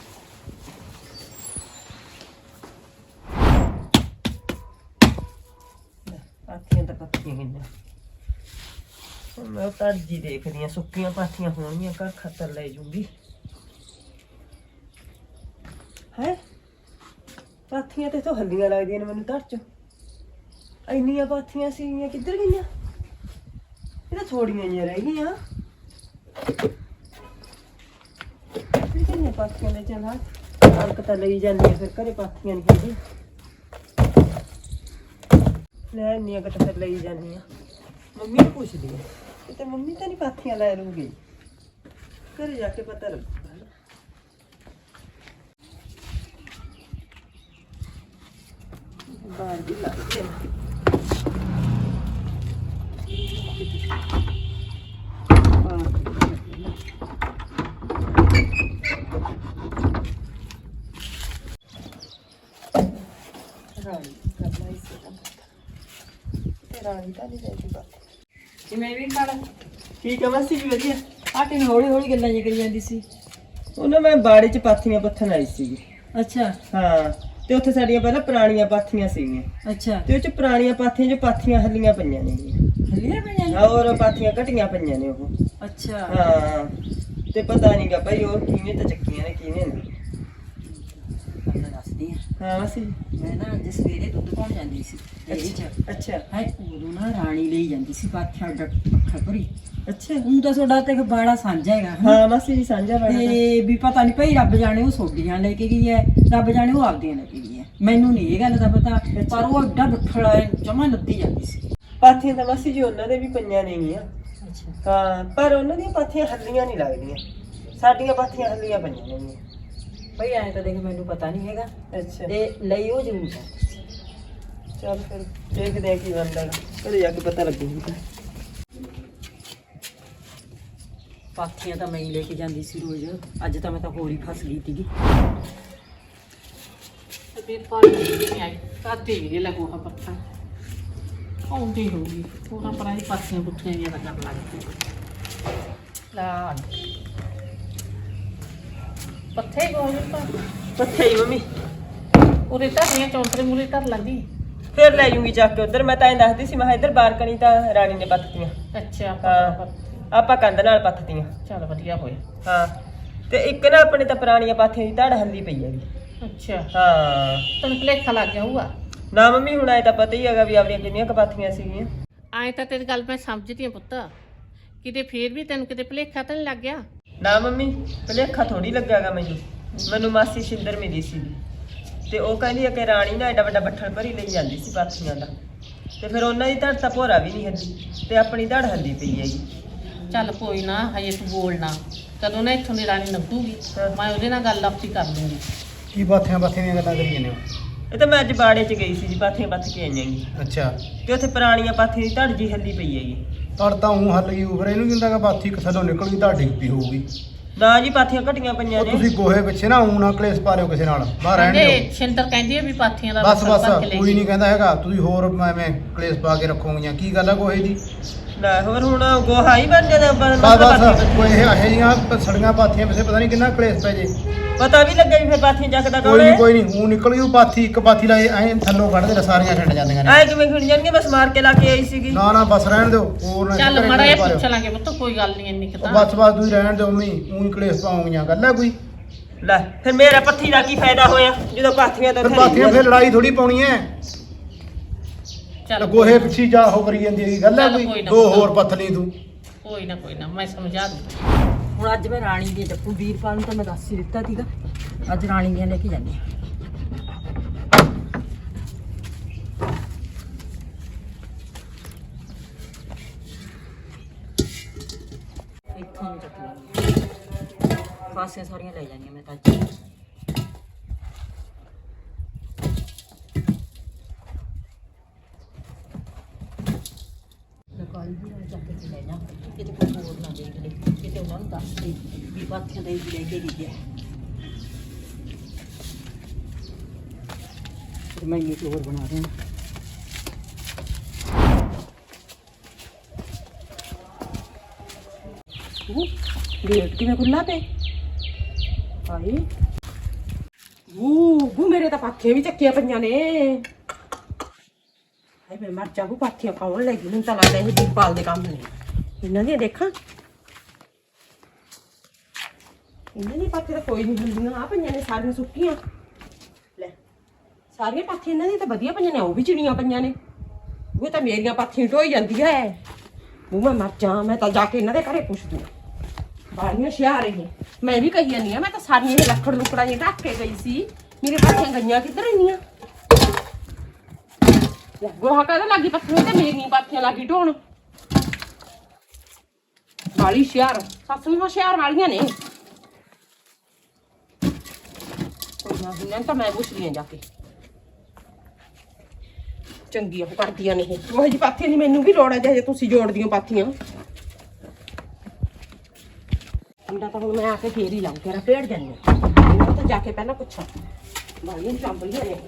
[SPEAKER 2] ਪਾਥੀਆਂ ਤਾਂ ਪੱਥੀਆਂ ਗਈਆਂ ਹੁਣ ਮੈਂ ਤਰਜੀ ਦੇਖਦੀ ਆ ਸੁੱਕੀਆਂ ਪਾਥੀਆਂ ਹੋਣਗੀਆਂ ਘਰ ਖਤਰ ਲੈ ਜੂੰਗੀ ਹੈ ਪਾਥੀਆਂ ਤੇ ਤੋਂ ਹੱਲੀਆਂ ਲੱਗਦੀਆਂ ਨੇ ਮੈਨੂੰ ਧਰ ਚ ਇੰਨੀਆਂ ਪਾਥੀਆਂ ਸੀਗੀਆਂ ਕਿੱਧਰ ਗਈਆਂ ਇਹ ਤਾਂ ਥੋੜੀਆਂ ਜਿਹੀਆਂ ਰਹਿ ਗਈਆਂ ਕਿੰਨੀਆਂ ਪਾਥੀਆਂ ਨੇ ਚਲਾ ਕਣਕ ਤਾਂ ਲਈ ਜਾਂਦੀ ਆ ਫਿਰ ਘਰੇ ਪਾਥੀਆਂ ਨਹੀਂ ਹੈਗੀ ਲੈ ਇੰਨੀਆਂ ਕੁ ਤਾਂ ਫਿਰ ਲਈ ਜਾਂਦੀ ਆ ਮੰਮੀ ਨੂੰ ਪੁੱਛਦੀ ਆ ਕਿਤੇ ਮੰਮੀ ਤਾਂ ਨਹੀਂ ਪਾਥੀਆਂ ਲੈ ਲੂਗੀ ਘਰੇ ਜਾ ਕੇ ਪਤਾ ਲੱਗੂਗਾ ਨਾ ਬਾਹਰ ਦੀ ਲੱਗਦੀ ਆ ਰਾਣੀ ਕਰਨਾ ਇਸੇ ਦਾ ਤੇ ਰਾਣੀ ਤਾਂ ਨਹੀਂ ਜਾਂਦੀ ਬਾਤ
[SPEAKER 3] ਜਿਵੇਂ ਵੀ ਨਾਲ
[SPEAKER 2] ਠੀਕ ਆ ਮਾਸੀ ਜੀ ਵਧੀਆ
[SPEAKER 3] ਆਟੇ ਨੂੰ ਹੌਲੀ ਹੌਲੀ ਗੱਲਾਂ ਜਿ ਕਰੀ ਜਾਂਦੀ ਸੀ
[SPEAKER 2] ਉਹਨਾਂ ਮੈਂ ਬਾੜੇ 'ਚ ਪਾਥੀਆਂ ਪੱਥਣ ਆਈ ਸੀਗੀ
[SPEAKER 3] ਅੱਛਾ
[SPEAKER 2] ਹਾਂ ਤੇ ਉੱਥੇ ਸਾਡੀਆਂ ਪਹਿਲਾਂ ਪੁਰਾਣੀਆਂ ਪਾਥੀਆਂ ਸੀਗੀਆਂ
[SPEAKER 3] ਅੱਛਾ
[SPEAKER 2] ਤੇ ਉਹ 'ਚ ਪੁਰਾਣੀਆਂ ਪਾਥੀਆਂ 'ਚ ਪਾਥੀਆਂ ਹੱਲੀਆਂ ਪਈਆਂ ਨੇ
[SPEAKER 3] ਹਲੀਆਂ ਪਈਆਂ
[SPEAKER 2] ਹੋਰ ਪਾਥੀਆਂ ਘਟੀਆਂ ਪਈਆਂ ਨੇ ਉਹ
[SPEAKER 3] ਅੱਛਾ
[SPEAKER 2] ਹਾਂ ਤੇ ਪਤਾ ਨਹੀਂਗਾ ਭਾਈ ਉਹ ਕਿਵੇਂ ਤਾਂ ਚੱਕੀਆਂ ਨੇ ਕਿਵੇਂ ਨੇ
[SPEAKER 3] ਮੈਂ ਦੱਸਦੀ ਆ
[SPEAKER 2] ਹਾਂ ਮਾਸੀ
[SPEAKER 3] ਮੈਂ ਨਾ ਅੱਜ ਸਵੇਰੇ ਦੁੱਧ ਪਾਉਣ ਜਾਂਦੀ ਸੀ ਡੇਅਰੀ 'ਚ
[SPEAKER 2] ਅੱਛਾ
[SPEAKER 3] ਹੈ ਉਦੋਂ ਨਾ ਰਾਣੀ ਲਈ ਜਾਂਦੀ ਸੀ ਪਾਥੀਆਂ ਪੱਖਾ ਭਰੀ
[SPEAKER 2] ਅੱਛਾ
[SPEAKER 3] ਹੁਣ ਤਾਂ ਤੁਹਾਡਾ ਤੇ ਬਾੜਾ ਸਾਂਝਾ ਹੈਗਾ ਹਨਾ?
[SPEAKER 2] ਹਾਂ ਮਾਸੀ ਜੀ ਸਾਂਝਾ ਬਾੜਾ
[SPEAKER 3] ਤੇ ਵੀ ਪਤਾ ਨਹੀਂ ਭਈ ਰੱਬ ਜਾਣੇ ਉਹ ਸੋਡੀਆਂ ਲੈ ਕੇ ਗਈ ਹੈ ਰੱਬ ਜਾਣੇ ਉਹ ਆਪਦੀਆਂ ਲੈ ਕੇ ਗਈ ਹੈ ਮੈਨੂੰ ਨਹੀਂ ਇਹ ਗੱਲ ਦਾ ਪਤਾ ਪਰ ਉਹ ਐਡਾ ਬੱਠਲਾ ਜਮਾ ਲੱਦੀ ਜਾਂਦੀ ਸੀ
[SPEAKER 2] ਪਾਥੀਆਂ ਤਾਂ ਮਾਸੀ ਜੀ ਉਹਨਾਂ ਦੇ ਵੀ ਪਈਆਂ ਨੇਗੀਆਂ
[SPEAKER 3] ਅੱਛਾ
[SPEAKER 2] ਹਾਂ ਪਰ ਉਹਨਾਂ ਦੀਆਂ ਪਾਥੀਆਂ ਹੱਲੀਆਂ ਨਹੀਂ ਲੱਗਦੀਆਂ ਸਾਡੀਆਂ ਪਾਥੀਆਂ ਹੱਲੀਆਂ ਪਈਆਂ ਨੇ
[SPEAKER 3] ਭਈ ਐਂ ਤਾਂ ਦੇਖ ਮੈਨੂੰ ਪਤਾ ਨਹੀਂ ਹੈਗਾ
[SPEAKER 2] ਅੱਛਾ
[SPEAKER 3] ਤੇ ਲਈ ਉਹ ਜ਼ਰੂਰ ਹੈ
[SPEAKER 2] ਚੱਲ ਫਿਰ ਦੇਖਦੇ ਆ ਕੀ ਬਣਦਾ ਗਾ। ਘਰੇ ਜਾ ਕੇ ਪਤਾ ਲੱਗੂਗਾ
[SPEAKER 3] ਪਾਥੀਆਂ ਤਾਂ ਮੈਂ ਹੀ ਲੈ ਕੇ ਜਾਂਦੀ ਸੀ ਰੋਜ਼ ਅੱਜ ਤਾਂ ਮੈਂ ਤਾਂ ਹੋਰ ਹੀ ਫਸ ਗਈ ਸੀਗੀ
[SPEAKER 4] ਫਿਰ ਪਾਣੀ ਨਹੀਂ ਆਈ ਕਾਤੇ ਵੀ ਲੱਗੂ ਹਾਂ ਪੱਥਾ ਆਉਂਦੀ ਹੋਊਗੀ ਉਹਨਾਂ ਪਰਾਂ ਦੀ ਪਾਥੀਆਂ ਪੁੱਠੀਆਂ ਜਿਹੀਆਂ ਲੱਗਣ ਲੱਗ ਪਈਆਂ ਲਾ ਪੱਥੇ ਗੋਲ ਤਾਂ
[SPEAKER 2] ਪੱਥੇ ਹੀ ਮੰਮੀ
[SPEAKER 4] ਉਰੇ ਧਰਨੀਆਂ ਚੌਂਤਰੇ ਮੂਰੇ ਧਰ ਲੈਂਦੀ
[SPEAKER 2] ਫਿਰ ਲੈ ਜੂੰਗੀ ਚੱਕ ਕੇ ਉਧਰ ਮੈਂ ਤਾਂ ਐਂ ਦੱਸਦੀ ਸੀ ਮੈਂ ਕਿਹਾ ਇੱਧਰ ਬਾਰਕਣੀ ਤਾਂ ਰਾਣੀ ਨੇ ਪੱਥਤੀਆਂ
[SPEAKER 4] ਅੱਛਾ
[SPEAKER 2] ਹਾਂ ਆਪਾਂ ਕੰਧ ਨਾਲ ਪੱਥਤੀਆਂ
[SPEAKER 4] ਚੱਲ ਵਧੀਆ ਹੋਇਆ
[SPEAKER 2] ਹਾਂ ਤੇ ਇੱਕ ਨਾ ਆਪਣੇ ਤਾਂ ਪੁਰਾਣੀਆਂ ਪਾਥੀਆਂ ਦੀ ਧੜ ਹੱਲੀ ਪਈ ਹੈਗੀ
[SPEAKER 4] ਅੱਛਾ
[SPEAKER 2] ਹਾਂ
[SPEAKER 4] ਤੈਨੂੰ ਭੁਲੇਖਾ ਲੱਗ ਗਿਆ ਹੋਊਗਾ
[SPEAKER 2] ਨਾ ਮੰਮੀ ਹੁਣ ਐ ਤਾਂ ਪਤਾ ਹੀ ਹੈਗਾ ਵੀ ਆਪਣੀਆਂ ਕਿੰਨੀਆਂ ਕਪਾਥੀਆਂ ਸੀਗੀਆਂ।
[SPEAKER 4] ਆਏ ਤਾਂ ਤੇਰੀ ਗੱਲ ਮੈਂ ਸਮਝਦੀ ਆ ਪੁੱਤ, ਕਿਤੇ ਫੇਰ ਵੀ ਤੈਨੂੰ ਕਿਤੇ ਭੁਲੇਖਾ ਤਾਂ ਨਹੀਂ ਲੱਗ ਗਿਆ?
[SPEAKER 2] ਨਾ ਮੰਮੀ ਭੁਲੇਖਾ ਥੋੜੀ ਲੱਗਿਆਗਾ ਮੈਨੂੰ ਮੈਨੂੰ ਮਾਸੀ ਸ਼ਿੰਦਰ ਮਿਲੀ ਸੀ ਤੇ ਉਹ ਕਹਿੰਦੀ ਆ ਕਿ ਰਾਣੀ ਨਾ ਐਡਾ ਵੱਡਾ ਬੱਠਲ ਭਰੀ ਲਈ ਜਾਂਦੀ ਸੀ ਪਾਥੀਆਂ ਦਾ, ਤੇ ਫਿਰ ਉਹਨਾਂ ਦੀ ਧੜ ਤਾਂ ਭੋਰਾ ਵੀ ਨਹੀਂ ਹੱਲੀ ਤੇ ਆਪਣੀ ਧੜ ਹੱਲੀ ਪਈ ਹੈਗੀ।
[SPEAKER 4] ਚੱਲ ਕੋਈ ਨਾ, ਹਜੇ ਤੂੰ ਬੋਲਣਾ, ਕਦੋਂ ਨਾ ਇੱਥੋਂ ਦੀ ਰਾਣੀ ਨੱਪੂਗੀ, ਮੈਂ ਉਹਦੇ ਨਾਲ ਗੱਲ ਆਪੀ ਕਰ ਲੂੰਗੀ।
[SPEAKER 5] ਕੀ ਬਾਥੀਆਂ ਬਾਥੀਆਂ ਦੀਆਂ ਗੱਲਾਂ ਕਰੀ ਜਾਂਦੇ ਹੋ?
[SPEAKER 2] ਇਹ ਤਾਂ ਮੈਂ ਅੱਜ ਬਾੜੇ 'ਚ ਗਈ ਸੀ ਜੀ, ਪਾਥੀਆਂ ਪੱਥ ਕੇ ਆਈਆਂ ਗੀ
[SPEAKER 5] ਅੱਛਾ,
[SPEAKER 2] ਤੇ ਉੱਥੇ ਪੁਰਾਣੀਆਂ ਪਾਥੀਆਂ ਦੀ ਧੜ ਜੀ ਹੱਲੀ ਪਈ ਹੈਗੀ।
[SPEAKER 5] ਤੜ ਤਾਂ ਉਹ ਹੱਲ ਗਈ ਉਫਰੇ ਇਹਨੂੰ ਕਹਿੰਦਾ ਕਿ ਬਾਥੀ ਥੱਲੋਂ ਨਿਕਲ ਗਈ ਤਾਂ ਡਿੱਗ ਪਈ ਹੋਊਗੀ।
[SPEAKER 2] ਨਾ ਜੀ ਪਾਥੀਆਂ ਘਟੀਆਂ ਪਈਆਂ
[SPEAKER 5] ਉਹ
[SPEAKER 2] ਨੇ।
[SPEAKER 5] ਤੁਸੀਂ ਗੋਹੇ ਪਿੱਛੇ ਨਾ ਊਂ ਨਾ ਕਲੇਸ਼ ਪਾ ਲਿਓ ਕਿਸੇ ਨਾਲ, ਬਾਹਰ ਰਹਿਣ
[SPEAKER 4] ਕਹਿੰਦੇ
[SPEAKER 5] ਦਿਓ।
[SPEAKER 4] ਸ਼ਿੰਦਰ ਕਹਿੰਦੀ ਆ ਵੀ ਪਾਥੀਆਂ ਦਾ
[SPEAKER 5] ਬਸ
[SPEAKER 4] ਬੱਠਲ
[SPEAKER 5] ਬਸ
[SPEAKER 4] ਭਰ ਕੇ ਲੈ
[SPEAKER 5] ਕੋਈ
[SPEAKER 4] ਗਈ।
[SPEAKER 5] ਨਹੀਂ ਕਹਿੰਦਾ ਹੈਗਾ, ਤੁਸੀਂ ਹੋਰ ਐਵੇਂ ਕਲੇਸ਼ ਪਾ ਕੇ ਰੱਖੋਗੀਆਂ। ਕੀ ਗੱਲ ਆ ਗੋਹੇ ਦੀ?
[SPEAKER 2] ਲੈ ਹੋਰ ਹੁਣ ਗੋਹਾ ਹੀ ਬਣ ਜਾਂਦਾ ਬਣ-
[SPEAKER 5] ਬਸ
[SPEAKER 2] ਪਾਥੀਆਂ
[SPEAKER 5] ਬਸ
[SPEAKER 2] ਪੱਥੀਆਂ।
[SPEAKER 5] ਕੋਈ ਇਹ ਇਹੋ ਜਿਹੀਆਂ ਸੜੀਆਂ ਪਾਥੀਆਂ ਪਿੱਛੇ ਪਤਾ ਨਹੀਂ ਕਿੰਨਾ ਕਲੇਸ਼ ਪੈ ਜੇ।
[SPEAKER 2] ਪਤਾ ਵੀ ਲੱਗੇ ਵੀ ਫਿਰ ਪਾਥੀਆਂ ਚੱਕਦਾ
[SPEAKER 5] ਕੋਈ
[SPEAKER 2] ਕੌਣ
[SPEAKER 5] ਨਹੀਂ
[SPEAKER 2] ਹੈ?
[SPEAKER 5] ਕੋਈ ਨਹੀਂ ਊਂ ਨਿਕਲ ਗਈ ਉਹ ਪਾਥੀ, ਇੱਕ ਪਾਥੀ ਲਾਏ ਐਂ ਥੱਲੋਂ ਕੱਢਦੇ ਨੇ, ਸਾਰੀਆਂ ਛੱਡ ਜਾਂਦੀਆਂ ਨੇ।
[SPEAKER 2] ਐ ਕਿਵੇਂ ਖਿੜ ਜਾਣਗੇ? ਬਸ ਮਾਰ ਕੇ ਲਾ ਕੇ ਆਈ ਸੀਗੀ।
[SPEAKER 5] ਨਾ ਨਾ ਬਸ ਰਹਿਣ ਦਿਓ, ਹੋਰ ਨਾ
[SPEAKER 4] ਚੱਲ
[SPEAKER 5] ਘਰੇ
[SPEAKER 4] ਮੜਾ
[SPEAKER 5] ਕਲੇਸ਼
[SPEAKER 4] ਇਹ
[SPEAKER 5] ਪਾ ਲਿਓ।
[SPEAKER 4] ਪੁੱਛ ਲਾਂਗੇ ਪੁੱਤ, ਕੋਈ ਗੱਲ ਨਹੀਂ ਇੰਨੀ
[SPEAKER 5] ਉਹ
[SPEAKER 4] ਕਿਤਾ।
[SPEAKER 5] ਬਸ ਬਸ ਤੁਸੀਂ ਰਹਿਣ ਦਿਓ ਮੰਮੀ, ਊਂ ਕਲੇਸ਼ ਪਾਉਂਗੀਆਂ। ਗੱਲ ਆ ਕੋਈ?
[SPEAKER 2] ਲੈ ਫਿਰ ਮੇਰਾ ਪੱਥੀ ਦਾ ਕੀ ਫਾਇਦਾ ਹੋਇਆ ਜਦੋਂ ਪਾਥੀਆਂ ਤਾਂ
[SPEAKER 5] ਫਿਰ
[SPEAKER 2] ਉੱਥੇ
[SPEAKER 5] ਪਾਥੀਆਂ ਫਿਰ ਲੜਾਈ ਥੋੜੀ ਪਾਉਣੀ ਐ।
[SPEAKER 4] ਚੱਲ
[SPEAKER 5] ਗੋਹੇ ਪਿੱਛੇ ਜਾ ਹੋ ਕਰੀ ਜਾਂਦੀ ਹੈਗੀ। ਗੱਲ ਆ
[SPEAKER 4] ਚੱਲ
[SPEAKER 5] ਕੋਈ?
[SPEAKER 4] ਕੋਈ ਨਾ
[SPEAKER 5] ਦੋ
[SPEAKER 4] ਪੁੱਤ।
[SPEAKER 5] ਹੋਰ ਪੱਥਲੀ ਤੂੰ।
[SPEAKER 4] ਕੋਈ ਨਾ ਕੋਈ ਨਾ, ਮੈਂ ਸਮਝਾ ਦੂੰ।
[SPEAKER 3] ਹੁਣ ਅੱਜ ਮੈਂ ਰਾਣੀ ਦੀ ਜੱਪੂ ਵੀਰਪਾਲ ਨੂੰ ਤਾਂ ਮੈਂ ਦੱਸ ਹੀ ਦਿੱਤਾ ਸੀਗਾ, ਅੱਜ ਰਾਣੀ ਦੀਆਂ ਲੈ ਕੇ ਜਾਂਦੀ ਹਾਂ। ਇੱਥੋਂ ਨੂੰ ਚੱਕ ਲਾਂਗੀ, ਪਾਸੇ ਸਾਰੀਆਂ ਲੈ ਜਾਂਦੀਆਂ ਮੈਂ ਤਾਂ ਅੱਜ। ਲਕਾਈ ਵੀ ਨਾਲ ਚੱਕ ਕੇ ਲੈ ਜਾ, ਕਿਤੇ ਕੋਈ ਹੋਰ ਨਾ ਦੇਖ ਲੈ, ਕਿਤੇ ਉਹਨਾਂ ਨੂੰ ਦੱਸ ਦੇ ਵੀ ਪਾਥੀਆਂ ਦੇ ਲੈ ਕੇ ਗਈ ਹੈ। ਫਿਰ ਮੈਂ ਇਹ ਹੋਰ ਬਣਾ ਦੇਣਾ। ਉਹ ਗੇਟ ਕਿਵੇਂ ਖੁੱਲਾ ਤੇ ਆਈ
[SPEAKER 1] ਉਹ ਉਹ ਮੇਰੇ ਤਾਂ ਪਾਥੀਆਂ ਵੀ ਚੱਕੀਆਂ ਪਈਆਂ ਨੇ। ਹਾਏ ਮੈਂ ਮਰ ਜਾਵਾਂ, ਪਾਥੀਆਂ ਕੌਣ ਲੈ ਗਈ? ਮੈਨੂੰ ਤਾਂ ਲੱਗਦਾ ਇਹ ਦੀਪਾਲ ਦੇ ਕੰਮ ਨੇ। ਇਹਨਾਂ ਦੀਆਂ ਦੇਖਾਂ, ਇਹਨਾਂ ਦੀ ਪਾਥੀਆਂ ਤਾਂ ਕੋਈ ਨਹੀਂ ਹੁੰਦੀਆਂ। ਆ ਪਈਆਂ ਨੇ ਸਾਰੀਆਂ ਸੁੱਕੀਆਂ। ਲੈ ਸਾਰੀਆਂ ਪਾਥੀਆਂ ਇਹਨਾਂ ਦੀਆਂ ਤਾਂ ਵਧੀਆ ਪਈਆਂ ਨੇ, ਉਹ ਵੀ ਚਿੜੀਆਂ ਪਈਆਂ ਨੇ। ਉਹ ਤਾਂ ਮੇਰੀਆਂ ਪਾਥੀਆਂ ਢੋਈ ਜਾਂਦੀਆਂ ਐ। ਉਹ ਮੈਂ ਮਰ ਜਾ, ਮੈਂ ਤਾਂ ਜਾ ਕੇ ਇਹਨਾਂ ਦੇ ਘਰੇ ਪੁੱਛਦੀ ਹਾਂ। ਬਾਲੀਆਂ ਸ਼ਿਆ ਰਹੀ ਮੈਂ ਵੀ ਕਹੀ ਜਾਂਦੀ ਆ, ਮੈਂ ਤਾਂ ਸਾਰੀਆਂ ਇਹ ਲੱਕੜ ਲੁਕੜਾਂ ਜਿਹੀਆਂ ਢੱਕ ਕੇ ਗਈ ਸੀ। ਮੇਰੇ ਪਾਥੀਆਂ ਗਈਆਂ ਕਿੱਧਰ ਇੰਨੀਆਂ? ਗੋਹਾ ਕਹਦਾ ਲੱਗੀ ਪੱਥਰ ਤੇ ਮੇਰੀਆਂ ਪਾਥੀਆਂ ਲੱਗੀ ਢੋਣ। ਬਾਲੀ ਸ਼ਿਆਰ ਸੱਸ ਨੂੰ ਸ਼ਿਆਰ ਵਾਲੀਆਂ ਨੇ। ਕੋਈ ਨਾ ਇਹਨਾਂ ਤਾਂ ਮੈਂ ਪੁੱਛਦੀ ਆ ਜਾ ਕੇ, ਚੰਗੀ ਉਹ ਕਰਦੀਆਂ ਨੇ ਇਹ। ਉਹ ਜੀ ਪਾਥੀਆਂ ਦੀ ਮੈਨੂੰ ਵੀ ਲੋੜ ਹੈ ਜੇ ਤੁਸੀਂ ਜੋੜਦੀਆਂ ਪਾਥੀਆਂ। ਮੁੰਡਾ ਤਾਂ ਹੁਣ ਮੈਂ ਆ ਕੇ ਫੇਰ ਹੀ ਲਾਉਂ, ਤੇਰਾ ਪੇੜ ਜਾਂਦੀ ਇਹਨਾਂ ਤਾਂ ਜਾ ਕੇ ਪਹਿਲਾਂ ਪੁੱਛਾਂ। ਬਾਲੀਆਂ ਚਾਂਬਲੀਆਂ ਨੇ।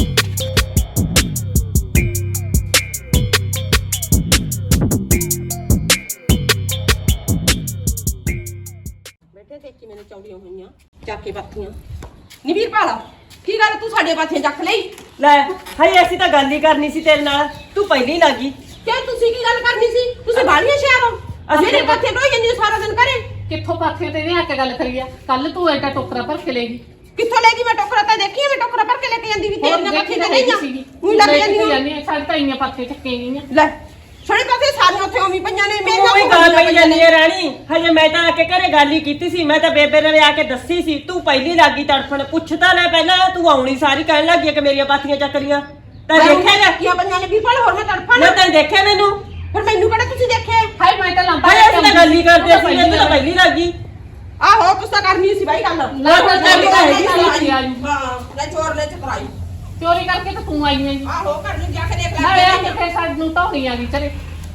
[SPEAKER 1] ਬੈਠੇ ਦੇਖੀ ਮੈਨੂੰ ਚੌੜੀਆਂ ਹੋਈਆਂ ਚੱਕ ਕੇ ਪਾਥੀਆਂ। ਨੀ ਵੀਰਪਾਲ ਕੀ ਗੱਲ ਤੂੰ ਸਾਡੇ ਪਾਥੀਆਂ ਚੱਕ ਲਈ?
[SPEAKER 2] ਲੈ ਹਾਏ ਅਸੀਂ ਤਾਂ ਗੱਲ ਹੀ ਕਰਨੀ ਸੀ ਤੇਰੇ ਨਾਲ, ਤੂੰ ਪਹਿਲੀ ਲੱਗੀ।
[SPEAKER 1] ਕਿਉਂ ਤੁਸੀਂ ਕੀ ਗੱਲ ਕਰਨੀ ਸੀ? ਤੁਸੀਂ ਬਾਲੀਆਂ ਸ਼ਹਿਰ ਹੋ, ਅਸੀਂ ਮੇਰੇ ਪਾਥੀਆਂ ਢੋਈ ਜਾਂਦੀ ਸਾਰਾ ਦਿਨ ਘਰੇ।
[SPEAKER 4] ਕਿੱਥੋਂ ਪਾਥੀਆਂ ਤੇ ਇਹਨੇ ਆ ਕੇ ਗੱਲ ਕਰੀ ਆ? ਕੱਲ ਤੂੰ ਐਡਾ ਟੋਕਰਾ ਭਰ ਕੇ ਲੈ ਗਈ।
[SPEAKER 1] ਕਿੱਥੋਂ ਲੈ ਗਈ? ਮੈਂ ਟੋਕਰਾ ਤਾਂ ਦੇਖੀ ਮੈਂ ਟੋਕਰਾ ਭਰ ਕੇ ਲੈ ਕੇ ਜਾਂਦੀ ਵੀ ਤੇਰੀਆਂ ਪਾਥੀਆਂ ਤੇ ਨਹੀਂ ਆ। ਉਹੀ ਲੱਗ ਜਾਂਦੀਆਂ।
[SPEAKER 4] ਸਾਡੇ ਤਾਂ ਇੰਨੀਆਂ ਪਾਥੀਆਂ ਚੱਕੀਆਂ ਗਈਆਂ।
[SPEAKER 1] ਲੈ ਸਾਡੇ ਪਾਸੇ ਸਾਰੀਆਂ ਉੱਥੇ ਉਵੇਂ ਪਈਆਂ ਨੇ। ਮੇਰੀਆਂ
[SPEAKER 2] ਕੋਈ ਗੱਲ ਪਈ ਜਾਂਦੀ ਹੈ ਰਾਣੀ। ਹਜੇ ਮੈਂ ਤਾਂ ਆ ਕੇ ਘਰੇ ਗੱਲ ਹੀ ਕੀਤੀ ਸੀ, ਮੈਂ ਤਾਂ ਬੇਬੇ ਨੇ ਆ ਕੇ ਦੱਸੀ ਸੀ। ਤੂੰ ਪਹਿਲੀ ਲੱਗੀ ਤੜਫਣ। ਪੁੱਛਦਾ ਲੈ ਪਹਿਲਾਂ, ਤੂੰ ਆਉਣੀ ਸਾਰੀ ਕਹਿਣ ਲੱਗੀ ਕਿ ਮੇਰੀਆਂ ਪਾਥੀਆਂ ਚੱਕ ਲੀਆਂ। ਤਾਂ ਦੇਖਿਆ
[SPEAKER 1] ਕੀਆਂ ਪਈਆਂ ਨੇ ਵੀਰਪਾਲ, ਹੋਰ ਮੈਂ ਤੜਫਾਂ
[SPEAKER 2] ਨਾ ਤਾਂ ਦੇਖਿਆ ਮੈਨੂੰ।
[SPEAKER 1] ਫਿਰ ਮੈਨੂੰ ਕਿਹੜਾ ਤੁਸੀਂ ਦੇਖਿਆ?
[SPEAKER 4] ਹਾਏ ਮੈਂ ਤਾਂ ਲੰਬਾ
[SPEAKER 2] ਹਾਏ ਅਸੀਂ ਤਾਂ ਗੱਲ ਹੀ ਕਰਦੇ ਸੀ, ਇਹ ਤਾਂ ਪਹਿਲੀ ਲੱਗੀ।
[SPEAKER 1] ਆਹੋ ਤੁਸੀਂ ਤਾਂ ਕਰਨੀ ਸੀ ਬਾਈ ਗੱਲ।
[SPEAKER 4] ਨਾ ਤਾਂ ਕਰਨੀ ਤਾਂ ਹੈਗੀ ਸੀ।
[SPEAKER 1] ਹਾਂ ਲੈ ਚੋਰ ਨੇ ਚਕਰਾਈ।
[SPEAKER 4] ਚੋਰੀ ਕਰਕੇ ਤਾਂ ਤੂੰ ਆਈ ਹੈ।
[SPEAKER 1] ਆਹੋ ਘਰ ਨੂੰ ਜਾ ਕੇ ਦੇਖ
[SPEAKER 4] ਨਾ
[SPEAKER 1] ਲੈ।
[SPEAKER 4] ਇਹ ਕਿੱਥੇ ਸਾਨੂੰ ਢੋਣੀ ਆ ਗਈ ਚਲੇ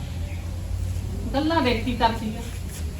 [SPEAKER 4] ਗੱਲਾਂ ਦੇਖੀ ਕਰਦੀ ਆ।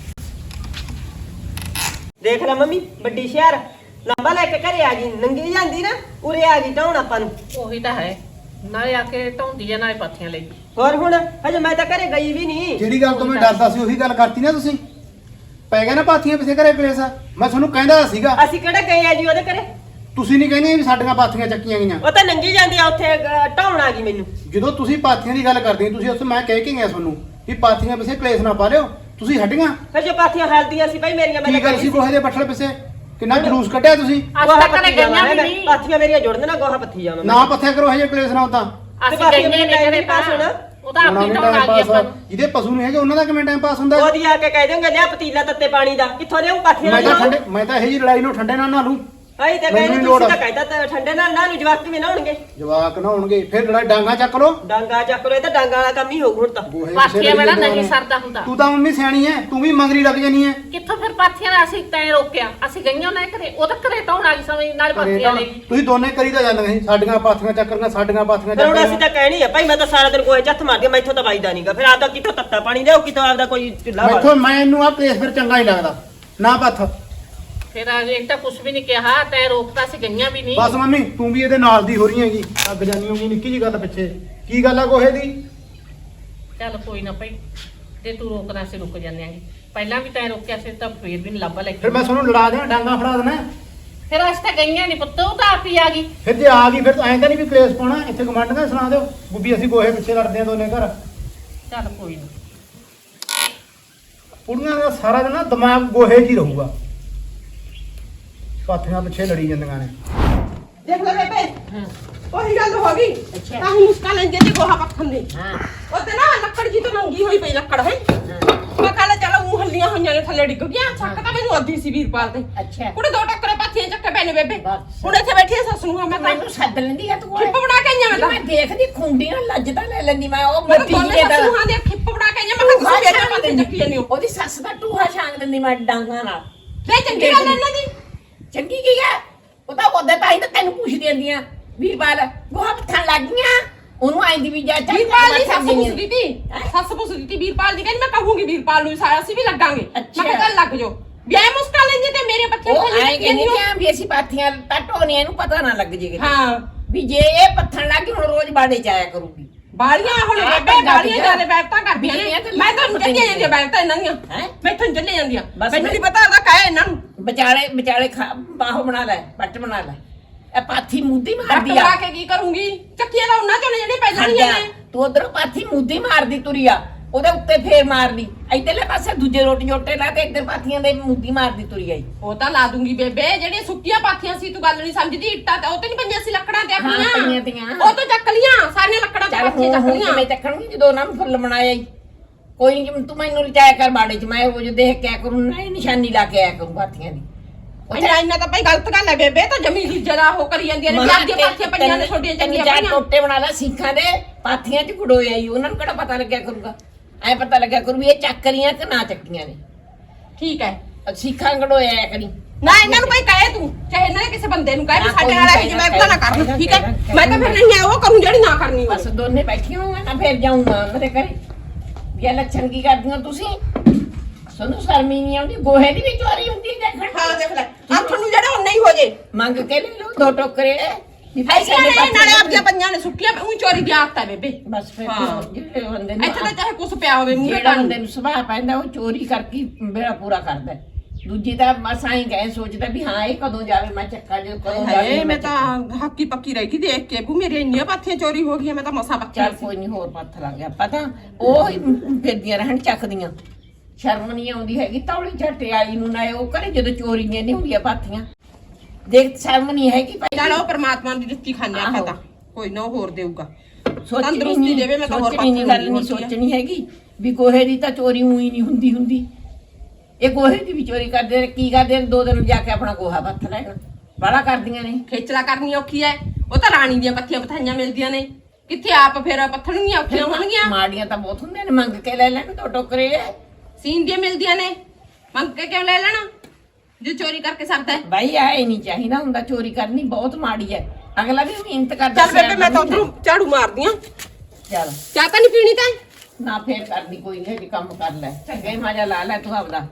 [SPEAKER 2] ਦੇਖ ਲੈ ਮੰਮੀ, ਵੱਡੀ ਸ਼ਹਿਰ ਲੰਬਾ ਲੈ ਕੇ ਘਰੇ ਆ ਗਈ। ਨੰਗੀ ਜਾਂਦੀ ਨਾ ਉਰੇ ਆ ਗਈ ਢਾਉਣ ਆਪਾਂ ਨੂੰ।
[SPEAKER 4] ਉਹੀ ਤਾਂ ਹੈ, ਨਾਲੇ ਆ ਕੇ ਢੋਂਦੀ ਆ ਨਾਲੇ ਪਾਥੀਆਂ ਲਈ।
[SPEAKER 2] ਹੋਰ ਹੁਣ ਹਜੇ ਮੈਂ ਤਾਂ ਘਰੇ ਗਈ ਵੀ ਨਹੀਂ।
[SPEAKER 5] ਜਿਹੜੀ ਗੱਲ ਤੋਂ ਮੈਂ ਡਰਦਾ ਸੀ ਉਹੀ ਗੱਲ ਕਰਤੀ ਨਾ ਤੁਸੀਂ। ਪੈ ਗਿਆ ਨਾ ਪਾਥੀਆਂ ਪਿੱਛੇ ਘਰੇ ਕਲੇਸ਼। ਮੈਂ ਤੁਹਾਨੂੰ ਕਹਿੰਦਾ ਸੀਗਾ।
[SPEAKER 2] ਅਸੀਂ ਕਿਹੜਾ ਗਏ ਆ ਜੀ ਉਹਦੇ ਘਰੇ?
[SPEAKER 5] ਤੁਸੀਂ ਨਹੀਂ ਕਹਿੰਦੇ ਵੀ ਸਾਡੀਆਂ ਪਾਥੀਆਂ ਚੱਕੀਆਂ ਗਈਆਂ।
[SPEAKER 2] ਉਹ ਤਾਂ ਨੰਗੀ ਜਾਂਦੀ ਆ ਉੱਥੇ ਢਾਉਣ ਆ ਗਈ ਮੈਨੂੰ।
[SPEAKER 5] ਜਦੋਂ ਤੁਸੀਂ ਪਾਥੀਆਂ ਦੀ ਗੱਲ ਕਰਦੇ ਹੋ, ਤੁਸੀਂ ਉਸ ਮੈਂ ਕਹਿ ਕੇ ਗਿਆ ਤੁਹਾਨੂੰ ਵੀ ਪਾਥੀਆਂ ਪਿੱਛੇ ਕਲੇਸ਼ ਨਾ ਪਾ ਲਿਓ। ਤੁਸੀਂ ਹਟੀਆਂ।
[SPEAKER 2] ਫਿਰ ਜੋ ਪਾਥੀਆਂ ਹਲਦੀਆਂ ਸੀ ਭਾਈ ਮੇਰੀਆਂ, ਮੈਂ
[SPEAKER 5] ਕੀ
[SPEAKER 2] ਤਾਂ
[SPEAKER 5] ਗੱਲ
[SPEAKER 2] ਗਈ
[SPEAKER 5] ਸੀ ਗੋਹੇ ਦੇ ਬੱਠਲ ਪਿੱਛੇ? ਕਿੰਨਾ ਜਲੂਸ ਕੱਢਿਆ ਤੁਸੀਂ
[SPEAKER 4] ਅੱਜ ਤੱਕ ਕਦੇ ਗਈਆਂ ਵੀ ਨਹੀਂ
[SPEAKER 2] ਪਾਥੀਆਂ ਮੇਰੀਆਂ ਜੁੜਨ ਨਾ ਗੋਹਾ ਪੱਥੀ ਜਾਵਾਂ
[SPEAKER 5] ਨਾ ਪੱਥਿਆ ਕਰੋ ਹਜੇ ਕਲੇਸ਼ ਨਾ ਉਦਾਂ
[SPEAKER 4] ਅਸੀਂ ਗਈਆਂ ਨਹੀਂ ਕਦੇ ਪਾਸ ਹੋਣਾ ਉਹ ਤਾਂ ਆਪਣੀ ਟਾਉਣ ਆ ਗਈ ਆਪਾਂ ਨੂੰ
[SPEAKER 5] ਜਿਹਦੇ ਪਸ਼ੂ ਨਹੀਂ ਹੈਗੇ ਉਹਨਾਂ ਦਾ ਕਿਵੇਂ ਟਾਈਮ ਪਾਸ ਹੁੰਦਾ
[SPEAKER 2] ਉਹਦੀ ਆ ਕੇ ਕਹਿ ਦੇਂਗੇ ਲਿਆ ਪਤੀਲਾ ਤੱਤੇ ਪਾਣੀ ਦਾ ਕਿੱਥੋਂ ਲਿਆਉਂ ਪਾਥੀਆਂ
[SPEAKER 5] ਮੈਂ ਤਾਂ
[SPEAKER 2] ਨਾਲ
[SPEAKER 5] ਠੰਡੇ ਮੈਂ ਤਾਂ ਇਹ ਜੀ ਲੜਾਈ ਨੂੰ ਠੰਡੇ ਨਾਲ ਨਾਲੂ
[SPEAKER 2] ਆਈ ਤੇ
[SPEAKER 5] ਮੈਨੂੰ
[SPEAKER 2] ਕਹਿੰਦੇ
[SPEAKER 5] ਨੀ
[SPEAKER 2] ਤੁਸੀਂ
[SPEAKER 5] ਲੋੜ।
[SPEAKER 2] ਤਾਂ ਕਹਿਤਾ ਤਾਂ ਠੰਡੇ ਨਾਲ ਨਾ ਨੂੰ ਜਵਾਕ ਕਿਵੇਂ ਨਹਾਉਣਗੇ
[SPEAKER 5] ਜਵਾਕ ਨਾ ਹੋਣਗੇ ਫਿਰ ਲੜਾਈ ਡਾਂਗਾ ਚੱਕ ਲੋ
[SPEAKER 2] ਡਾਂਗਾ ਚੱਕ ਲੋ ਇਹ ਤਾਂ ਡਾਂਗਾ ਵਾਲਾ ਕੰਮ ਹੀ ਹੋਊ ਹੁਣ ਤਾਂ
[SPEAKER 4] ਪਾਥੀਆਂ ਵਾਲਾ ਨਹੀਂ ਸਰਦਾ ਹੁੰਦਾ
[SPEAKER 5] ਤੂੰ ਤਾਂ ਮੰਮੀ ਸਿਆਣੀ ਐ ਤੂੰ ਵੀ ਮੰਗਰੀ ਲੱਗ ਜਾਨੀ ਐ
[SPEAKER 4] ਕਿੱਥੋਂ ਫਿਰ ਪਾਥੀਆਂ ਦਾ ਅਸੀਂ ਤੈਂ ਰੋਕਿਆ ਅਸੀਂ ਗਈਆਂ ਉਹਨਾਂ ਦੇ ਘਰੇ ਉਹ ਤਾਂ ਘਰੇ ਟਾਉਣ ਆ ਗਈ ਸਮਝ ਨਾਲ ਪਾਥੀਆਂ ਲੈ ਗਈ
[SPEAKER 5] ਤੁਸੀਂ ਦੋਨੇ ਕਰੀ ਤਾਂ ਜਾਂਦੇ ਸੀ ਸਾਡੀਆਂ ਪਾਥੀਆਂ ਚੱਕਰੀਆਂ ਸਾਡੀਆਂ ਪਾਥੀਆਂ
[SPEAKER 2] ਫਿਰ ਹੁਣ ਅਸੀਂ
[SPEAKER 5] ਚੱਕਰੀਆਂ
[SPEAKER 2] ਤਾਂ ਕਹਿਣੀ ਆ ਭਾਈ ਮੈਂ ਤਾਂ ਸਾਰਾ ਦਿਨ ਕੋਈ ਚੱਥ ਮਾਰਦੀ ਆ, ਮੈਥੋਂ ਤਾਂ ਵੱਜਦਾ ਨਹੀਂਗਾ ਫਿਰ ਆਪਦਾ ਕਿੱਥੋਂ ਤੱਤਾ ਪਾਣੀ ਲਿਆਓ ਕਿਤੋਂ ਆਪਦਾ ਕੋਈ ਚੁੱਲ੍ਹਾ ਬਾਲ
[SPEAKER 5] ਮੈਥੋਂ ਮੈਨੂੰ ਆ ਕੇਸ ਫਿਰ ਚੰਗਾ ਹੀ ਲੱਗਦਾ ਨਾ ਪੱਥ
[SPEAKER 4] ਫਿਰ ਇੱਕ ਤਾਂ ਕੁਝ ਵੀ ਨਹੀਂ ਕਿਹਾ ਤੈਂ ਰੋਕਤਾ ਸੀ ਗਈਆਂ ਵੀ ਨਹੀਂ
[SPEAKER 5] ਬਸ ਮੰਮੀ ਤੂੰ ਵੀ ਇਹਦੇ ਨਾਲ ਦੀ ਹੋ ਰਹੀ ਹੈਗੀ ਅੱਗ ਜਾਨੀ ਹੋਗੀ ਨਿੱਕੀ ਜੀ ਗੱਲ ਪਿੱਛੇ ਕੀ ਗੱਲ ਆ ਗੋਹੇ ਦੀ
[SPEAKER 4] ਚੱਲ ਕੋਈ ਨਾ ਭਾਈ ਤੇ ਤੂੰ ਰੋਕਦਾ ਸੀ ਰੁਕ ਜਾਂਦੇ ਆਂਗੇ ਪਹਿਲਾਂ ਵੀ ਤੈਂ ਰੋਕਿਆ ਸੀ ਤਾਂ ਫੇਰ ਵੀ ਨੀ ਲੱਭਾ ਲੈ ਕੇ
[SPEAKER 5] ਫਿਰ ਮੈਂ ਤੁਹਾਨੂੰ ਲੜਾ ਦਿਆਂ ਡਾਂਗਾ ਫੜਾ ਦੇਣਾ
[SPEAKER 4] ਫਿਰ ਅੱਜ ਤਾਂ ਗਈਆਂ ਨਹੀਂ ਪੁੱਤ ਉਹ ਤਾਂ ਆਪ ਹੀ ਆ ਗਈ
[SPEAKER 5] ਫਿਰ ਜੇ ਆ ਗਈ ਫਿਰ ਤਾਂ ਐਂ ਤਾਂ ਨਹੀਂ ਵੀ ਕਲੇਸ਼ ਪਾਉਣਾ ਇੱਥੇ ਗਵਾਂਢੀਆਂ ਸੁਣਾ ਦਿਓ ਬੁੱਬੀ ਅਸੀਂ ਗੋਹੇ ਪਿੱਛੇ ਲੜਦੇ ਆ ਦੋਨੇ ਘਰ
[SPEAKER 4] ਚੱਲ ਕੋਈ ਨਾ
[SPEAKER 5] ਕੁੜੀਆਂ ਦਾ ਸਾਰਾ ਦਿਨ ਨਾ ਦਿਮਾਗ ਗੋਹੇ 'ਚ ਹੀ ਰਹੂਗਾ ਪਾਥੀਆਂ ਪਿੱਛੇ ਲੜੀ ਜਾਂਦੀਆਂ ਨੇ
[SPEAKER 1] ਦੇਖ ਲੈ ਬੇਬੇ
[SPEAKER 4] ਹਾਂ
[SPEAKER 1] ਉਹੀ ਗੱਲ ਹੋ ਗਈ
[SPEAKER 4] ਅੱਛਾ।
[SPEAKER 1] ਤਾਂ ਹੀ ਮੁਸਕਾ ਲੈਂਦੇ ਤੇ ਗੋਹਾ ਪੱਖਣ ਦੇ
[SPEAKER 4] ਹਾਂ
[SPEAKER 1] ਉਹ ਤੇ ਨਾ ਲੱਕੜ ਜੀ ਤੋਂ ਨੰਗੀ ਹੋਈ ਪਈ ਲੱਕੜ ਹੈ ਮੈਂ ਕਹਾਂ ਚਲ ਉਹ ਹੱਲੀਆਂ ਹੋਈਆਂ ਨੇ ਥੱਲੇ ਡਿੱਗ ਗਿਆ ਛੱਕ ਤਾਂ ਮੈਨੂੰ ਅੱਧੀ ਸੀ ਵੀਰਪਾਲ ਤੇ
[SPEAKER 4] ਅੱਛਾ
[SPEAKER 1] ਕੁੜੇ ਦੋ ਟੱਕਰੇ ਪਾਥੀਆਂ ਚੱਕੇ ਪੈ ਨੇ ਬੇਬੇ
[SPEAKER 4] ਬਸ।
[SPEAKER 1] ਹੁਣ ਇੱਥੇ ਬੈਠੀ ਆ ਸੱਸ ਨੂੰ ਮੈਂ ਤਾਂ
[SPEAKER 6] ਮੈਨੂੰ ਸੱਦ ਲੈਂਦੀ ਆ ਤੂੰ
[SPEAKER 1] ਖਿੱਪ ਬਣਾ ਕੇ ਆਈਆਂ ਮੈਂ ਤਾਂ
[SPEAKER 6] ਮੈਂ ਦੇਖਦੀ ਖੁੰਡੀ ਨਾਲ ਲੱਜ ਤਾਂ ਲੈ ਲੈਂਦੀ ਮੈਂ ਉਹ
[SPEAKER 1] ਮੈਂ ਤਾਂ
[SPEAKER 6] ਮੱਤੀ
[SPEAKER 1] ਦੋਨੇ
[SPEAKER 6] ਜਿਹੇ
[SPEAKER 1] ਸੱਸ
[SPEAKER 6] ਦਾ
[SPEAKER 1] ਨੂੰ ਹਾਂ ਦੇ ਖਿੱਪ ਬਣਾ ਕੇ ਆਈਆਂ ਮੈਂ ਕਿਹਾ ਤੁਸੀਂ ਵੇਚਣ ਪਾਥੀਆਂ ਚੱਕੀ ਜਾਂਦੇ ਹੋ
[SPEAKER 6] ਉਹਦੀ ਸੱਸ ਦਾ ਟੂਹਾ ਛਾਂਗ ਦਿੰਦੀ ਮੈਂ ਡਾਂਗਾ ਨਾਲ
[SPEAKER 1] ਲੈ ਚੰਗੀ ਗੱਲ ਹੈ ਇਹਨਾਂ ਦੀ
[SPEAKER 6] ਚੰਗੀ ਕੀ ਹੈ ਉਹ ਤਾਂ ਉਹਦੇ ਤਾਂ ਹੀ ਤਾਂ ਤੈਨੂੰ ਪੁੱਛਦੀ ਆਂਦੀਆਂ ਵੀਰਪਾਲ ਗੋਹਾ ਪੱਥਣ ਲੱਗ ਗਈਆਂ ਉਹਨੂੰ ਆਂਦੀ ਵੀ ਜਾ ਚੱਲ
[SPEAKER 1] ਵੀਰਪਾਲ ਦੀ ਸੱਸ ਪੁੱਛਦੀ ਤੀ ਸੱਸ ਪੁੱਛਦੀ ਤੀ ਵੀਰਪਾਲ ਦੀ ਕਹਿੰਦੀ ਮੈਂ ਕਹੂੰਗੀ ਵੀਰਪਾਲ ਨੂੰ ਸਾਰਾ ਅਸੀਂ ਵੀ ਲੱਗਾਂਗੇ ਮੈਂ ਕਿਹਾ ਚੱਲ ਲੱਗ ਜਾਓ ਵਿਆਹ ਮੁਸਕਾ ਲੈਂਦੇ ਤੇ ਮੇਰੇ ਬੱਚੇ
[SPEAKER 6] ਉਹ ਆਏ ਕਹਿੰਦੀ ਕਿ ਵੀ ਅਸੀਂ ਪਾਥੀਆਂ ਤਾਂ ਢੋਣੀਆਂ ਇਹਨੂੰ ਪਤਾ ਨਾ ਲੱਗ ਜੇ
[SPEAKER 1] ਹਾਂ
[SPEAKER 6] ਵੀ ਜੇ ਇਹ ਪੱਥਣ ਲੱਗ ਗਈ ਹੁਣ ਰੋਜ਼ ਬਾੜੇ ਚ ਆਇਆ ਕਰੂਗੀ
[SPEAKER 1] ਬਾਲੀਆਂ ਹੁਣ
[SPEAKER 6] ਆਹ
[SPEAKER 1] ਬੇਬੇ
[SPEAKER 6] ਗੱਲ
[SPEAKER 1] ਬਾਲੀਆਂ
[SPEAKER 6] ਹੈ।
[SPEAKER 1] ਜਾਲੇ ਬੈਠਾਂ ਕਰਦੀਆਂ ਨੇ
[SPEAKER 6] ਬੀਬੀਆਂ ਤਾਂ
[SPEAKER 1] ਮੈਂ ਤਾਂ ਚੱਲੇ ਜਾਂਦੀਆਂ ਬੈਠਾਂ ਇਹਨਾਂ ਦੀਆਂ
[SPEAKER 6] ਹੈਂ?
[SPEAKER 1] ਮੈਂ ਤਾਂ ਚੱਲੇ ਜਾਂਦੀਆਂ
[SPEAKER 6] ਬਸ
[SPEAKER 1] ਮੈਨੂੰ
[SPEAKER 6] ਮੈਂ-
[SPEAKER 1] ਨਹੀਂ ਪਤਾ ਉਹਦਾ ਕਾਹ ਇਹਨਾਂ ਨੂੰ
[SPEAKER 6] ਵਿਚਾਲੇ ਵਿਚਾਲੇ ਖਾ- ਬਾਹੋ ਬਣਾ ਲੈ ਪੱਟ ਬਣਾ ਲੈ ਇਹ ਪਾਥੀ ਮੁੱਦੀ
[SPEAKER 1] ਰੱਟ
[SPEAKER 6] ਮਾਰਦੀ ਆ
[SPEAKER 1] ਲਾ ਕੇ ਕੀ ਕਰੂੰਗੀ ਚੱਕੀਆਂ ਦਾ ਉਹਨਾਂ ਚੋਂ ਨੇ ਜਿਹੜੇ ਪੈ ਜਾਣੀਆਂ ਨੇ
[SPEAKER 6] ਤੂੰ ਉਧਰੋਂ ਪਾਥੀ ਮੁੱਦੀ ਮਾਰਦੀ ਤੁਰੀ ਆ ਉਹਦੇ ਉੱਤੇ ਫੇਰ ਮਾਰਦੀ ਇੱਧਰਲੇ ਪਾਸੇ ਦੂਜੇ ਰੋਟੀ ਜੋਟੇ ਲਾ ਤੇ ਇੱਧਰ ਪਾਥੀਆਂ ਦੇ ਮੁੱਦੀ ਮਾਰਦੀ ਤੁਰੀ ਆਈ
[SPEAKER 1] ਉਹ ਤਾਂ ਲਾ ਦੂੰਗੀ ਬੇਬੇ ਜਿਹੜੀਆਂ ਸੁੱਕੀਆਂ ਪਾਥੀਆਂ ਸੀ ਤੂੰ ਗੱਲ ਨਹੀਂ ਸਮਝਦੀ ਇੱਟਾਂ ਤੇ ਉਹ ਤੇ ਨਹੀਂ ਪਈਆਂ ਸੀ ਲੱਕੜਾਂ ਤੇ
[SPEAKER 6] ਹਾਂ, ਪਈਆਂ
[SPEAKER 1] ਆਪਣੀਆਂ
[SPEAKER 6] ਤੀਆਂ।
[SPEAKER 1] ਉਹ ਤਾਂ ਚੱਕ ਲੀਆਂ ਸਾਰੀਆਂ ਲੱਕੜਾਂ ਤੇ
[SPEAKER 6] ਚੱਲ
[SPEAKER 1] ਪਾਥੀਆਂ
[SPEAKER 6] ਹੁਣ
[SPEAKER 1] ਚੱਕ
[SPEAKER 6] ਹੁਣ
[SPEAKER 1] ਲੀਆਂ
[SPEAKER 6] ਕਿਵੇਂ ਚੱਕਣਗੀ ਜਦੋਂ ਉਹਨਾਂ ਨੂੰ ਫੁੱਲ ਬਣਾਇਆ ਈ ਕੋਈ ਨਹੀਂ ਤੂੰ ਮੈਨੂੰ ਰਚਾਇਆ ਕਰ ਬਾੜੇ ਚ ਮੈਂ ਉਹ ਜੋ ਦੇਖ ਕੇ ਆਇਆ ਕਰੂੰ ਨਾ ਇਹ ਨਿਸ਼ਾਨੀ ਲਾ ਕੇ ਆਇਆ ਕਰੂੰ ਪਾਥੀਆਂ ਦੀ
[SPEAKER 1] ਇੰਨਾ ਇੰਨਾ ਤਾਂ ਭਾਈ ਗਲਤ ਗੱਲ ਹੈ ਬੇਬੇ ਤਾਂ ਜਮੀ ਦੀ ਜਰਾ ਹੋ ਕਰੀ ਜਾਂਦੀਆਂ ਨੇ ਵਿਆਹ ਦੀਆਂ ਪਾਥੀਆਂ ਪਈਆਂ ਨੇ ਛੋਟੀਆਂ ਚੰਗੀਆਂ
[SPEAKER 6] ਚਾਰ
[SPEAKER 1] ਪਈਆਂ
[SPEAKER 6] ਟੋਟੇ ਬਣਾ ਲੈ ਸਿੱਖਾਂ ਦੇ ਪਾਥੀਆਂ ਚ ਗੁੜੋਏ ਆਈ ਉਹਨਾਂ ਨੂੰ ਕਿਹੜਾ ਪਤਾ ਲੱਗਿਆ ਕਰੂਗਾ ਐ ਪਤਾ ਲੱਗਿਆ ਕਰੂ ਵੀ ਇਹ ਚੱਕਰੀਆਂ ਕਿ ਨਾ ਚੱਕੀਆਂ ਨੇ
[SPEAKER 1] ਠੀਕ ਹੈ
[SPEAKER 6] ਸਿੱਖਾਂ ਗੜੋਏ ਆਇਆ ਕਰੀ
[SPEAKER 1] ਨਾ ਇਹਨਾਂ ਨੂੰ ਕੋਈ ਕਹੇ ਤੂੰ ਚਾਹੇ ਇਹਨਾਂ ਨੇ ਕਿਸੇ ਬੰਦੇ ਨੂੰ ਕਹੇ ਵੀ
[SPEAKER 6] ਨਾ,
[SPEAKER 1] ਸਾਡੇ
[SPEAKER 6] ਕੋਈ
[SPEAKER 1] ਨਾਲ
[SPEAKER 6] ਨਹੀਂ
[SPEAKER 1] ਇਹ ਜਿਵੇਂ ਪਤਾ ਨਾ ਕਰਨ
[SPEAKER 6] ਕਹਿਣਾ,
[SPEAKER 1] ਠੀਕ ਹੈ
[SPEAKER 6] ਕਹਿਣਾ,
[SPEAKER 1] ਮੈਂ ਤਾਂ ਫਿਰ ਨਹੀਂ ਹੈ ਉਹ ਕਰੂੰ ਜਿਹੜੀ ਨਾ ਕਰਨੀ
[SPEAKER 6] ਬਸ
[SPEAKER 1] ਹੋਵੇ
[SPEAKER 6] ਦੋਨੇ ਬੈਠੀਆਂ ਹੋਈਆਂ ਨਾ ਫੇਰ ਜਾਊਂਗਾ ਉਹਨਾਂ ਦੇ ਘਰੇ ਵੀ ਇਹ ਲੱਛਣ ਕੀ ਕਰਦੀਆਂ ਤੁਸੀਂ ਸਾਨੂੰ ਸ਼ਰਮੀ ਨਹੀਂ ਆਉਂਦੀ ਗੋਹੇ ਦੀ ਵੀ ਚੋਰੀ ਹੁੰਦੀ ਹੈ ਦੇਖਣ
[SPEAKER 1] ਹਾਂ ਦੇਖ ਲੈ ਆਪ ਨੂੰ ਜਿਹੜਾ ਉਹ ਨਹੀਂ ਹੋ ਜੇ
[SPEAKER 6] ਮੰਗ ਕੇ ਲੈ ਲਓ ਦੋ ਟੋਕਰੇ ਵੀ ਭਾਈ
[SPEAKER 1] ਐਸੀਆਂ
[SPEAKER 6] ਸਾਡੇ
[SPEAKER 1] ਨੇ
[SPEAKER 6] ਪਾਸੇ
[SPEAKER 1] ਨਾਲੇ ਆਪਦੀਆਂ ਪੰਜਾਂ ਨੇ ਸੁੱਕੀਆਂ ਉਹ ਚੋਰੀ ਦੀ ਆਦਤ ਹੈ ਬੇਬੇ
[SPEAKER 6] ਬਸ ਫਿਰ
[SPEAKER 1] ਹਾਂ।
[SPEAKER 6] ਜਿਹੜੇ ਬੰਦੇ ਨੂੰ
[SPEAKER 1] ਇੱਥੇ ਤਾਂ ਚਾਹੇ ਕੁਛ ਪਿਆ ਹੋਵੇ ਮੂੰਹ
[SPEAKER 6] ਜਿਹੜਾ ਬੰਦੇ ਨੂੰ ਸੁਭਾਅ ਪੈਂਦਾ ਉਹ ਚੋਰੀ ਕਰਕੇ ਮੇਰਾ ਪੂਰਾ ਕਰਦਾ ਹੈ। ਦੂਜੀ ਤਾਂ ਮਸਾਂ ਹੀ ਗਏ ਸੋਚਦਾ ਵੀ ਹਾਂ ਇਹ ਕਦੋਂ ਜਾਵੇ ਮੈਂ ਚੱਕਾ ਜੋ ਕਦੋਂ ਜਾਵੇ
[SPEAKER 1] ਹਾਏ ਮੈਂ ਤਾਂ ਹੱਕੀ ਪੱਕੀ ਰਹਿ ਗਈ ਦੇਖ ਕੇ ਬੂ ਮੇਰੇ ਇੰਨੀਆਂ ਪਾਥੀਆਂ ਚੋਰੀ ਹੋ ਗਈਆਂ ਮੈਂ ਤਾਂ ਮਸਾ ਬੱਚਾ
[SPEAKER 6] ਚੱਲ ਕੋਈ ਨਹੀਂ ਹੋਰ ਪੱਥ ਲੱਗ ਗਿਆ ਪਤਾ ਉਹ ਹੀ ਫਿਰਦੀਆਂ ਰਹਿਣ ਚੱਕਦੀਆਂ ਸ਼ਰਮ ਨਹੀਂ ਆਉਂਦੀ ਹੈਗੀ ਤੌਲੀ ਝੱਟੇ ਆਈ ਨੂੰ ਨਾ ਉਹ ਕਰੇ ਜਦੋਂ ਚੋਰੀਆਂ ਨਹੀਂ ਹੁੰਦੀਆਂ ਪਾਥੀਆਂ ਦੇਖ ਸ਼ਰਮ ਨਹੀਂ ਹੈਗੀ ਭਾਈ
[SPEAKER 1] ਚੱਲ ਉਹ ਪਰਮਾਤਮਾ ਦੀ ਦਿੱਤੀ ਖਾਂਦੇ ਆ
[SPEAKER 6] ਆਹੋ।
[SPEAKER 1] ਤਾਂ ਕੋਈ ਨਾ ਉਹ ਹੋਰ ਦੇਊਗਾ
[SPEAKER 6] ਸੋਚਣੀ
[SPEAKER 1] ਤੰਦਰੁਸਤੀ
[SPEAKER 6] ਨਹੀਂ
[SPEAKER 1] ਦੇਵੇ, ਮੈਂ ਤਾਂ ਹੋਰ
[SPEAKER 6] ਸੋਚਣੀ ਨਹੀਂ ਗੱਲ ਨਹੀਂ
[SPEAKER 1] ਪਾਥੀ ਹੁੰਦੀ
[SPEAKER 6] ਸੋਚਣੀ ਹੈਗੀ ਵੀ ਗੋਹੇ ਦੀ ਤਾਂ ਚੋਰੀ ਹੋਈ ਨਹੀਂ ਹੁੰਦੀ ਹੁੰਦੀ ਇਹ ਗੋਹੇ ਦੀ ਵੀ ਚੋਰੀ ਕਰਦੇ ਨੇ ਕੀ ਕਰਦੇ ਨੇ ਦੋ ਦਿਨ ਜਾ ਕੇ ਆਪਣਾ ਗੋਹਾ ਪੱਥ ਲੈਣ ਬਾਲਾ ਕਰਦੀਆਂ ਨੇ
[SPEAKER 1] ਖੇਚਲਾ ਕਰਨੀ ਔਖੀ ਐ ਉਹ ਤਾਂ ਰਾਣੀ ਦੀਆਂ ਪੱਥੀਆਂ ਪਥਾਈਆਂ ਮਿਲਦੀਆਂ ਨੇ ਕਿੱਥੇ ਆਪ ਫੇਰ ਪੱਥਣਗੀਆਂ ਔਖੀਆਂ ਹੋਣਗੀਆਂ
[SPEAKER 6] ਮਾੜੀਆਂ ਤਾਂ ਬਹੁਤ ਹੁੰਦੀਆਂ ਨੇ ਮੰਗ ਕੇ ਲੈ ਲੈਣ ਦੋ ਟੋਕਰੇ
[SPEAKER 1] ਸੀਨ ਦੀਆਂ ਮਿਲਦੀਆਂ ਨੇ ਮੰਗ ਕੇ ਕਿਉਂ ਲੈ ਲੈਣਾ ਜੇ ਚੋਰੀ ਕਰਕੇ ਸਰਦਾ ਹੈ
[SPEAKER 6] ਭਾਈ ਆਏ ਨਹੀਂ ਚਾਹੀਦਾ ਹੁੰਦਾ ਚੋਰੀ ਕਰਨੀ ਬਹੁਤ ਮਾੜੀ ਹੈ ਅਗਲਾ ਵੀ ਮਿਹਨਤ ਕਰਦਾ
[SPEAKER 1] ਚੱਲ ਬੇਬੇ ਮੈਂ ਤਾਂ ਉਧਰੋਂ ਝਾੜੂ ਮਾਰਦੀ ਆ
[SPEAKER 6] ਚੱਲ
[SPEAKER 1] ਚਾਹ ਤਾਂ ਨਹੀਂ ਪੀਣੀ ਤਾਂ
[SPEAKER 6] ਨਾ ਫੇਰ ਕਰਦੀ ਕੋਈ ਨਹੀਂ ਕੰਮ ਕਰ ਲੈ ਚੰਗੇ ਮਜ਼ਾ ਲਾ ਲੈ ਤੂੰ ਆਪਦਾ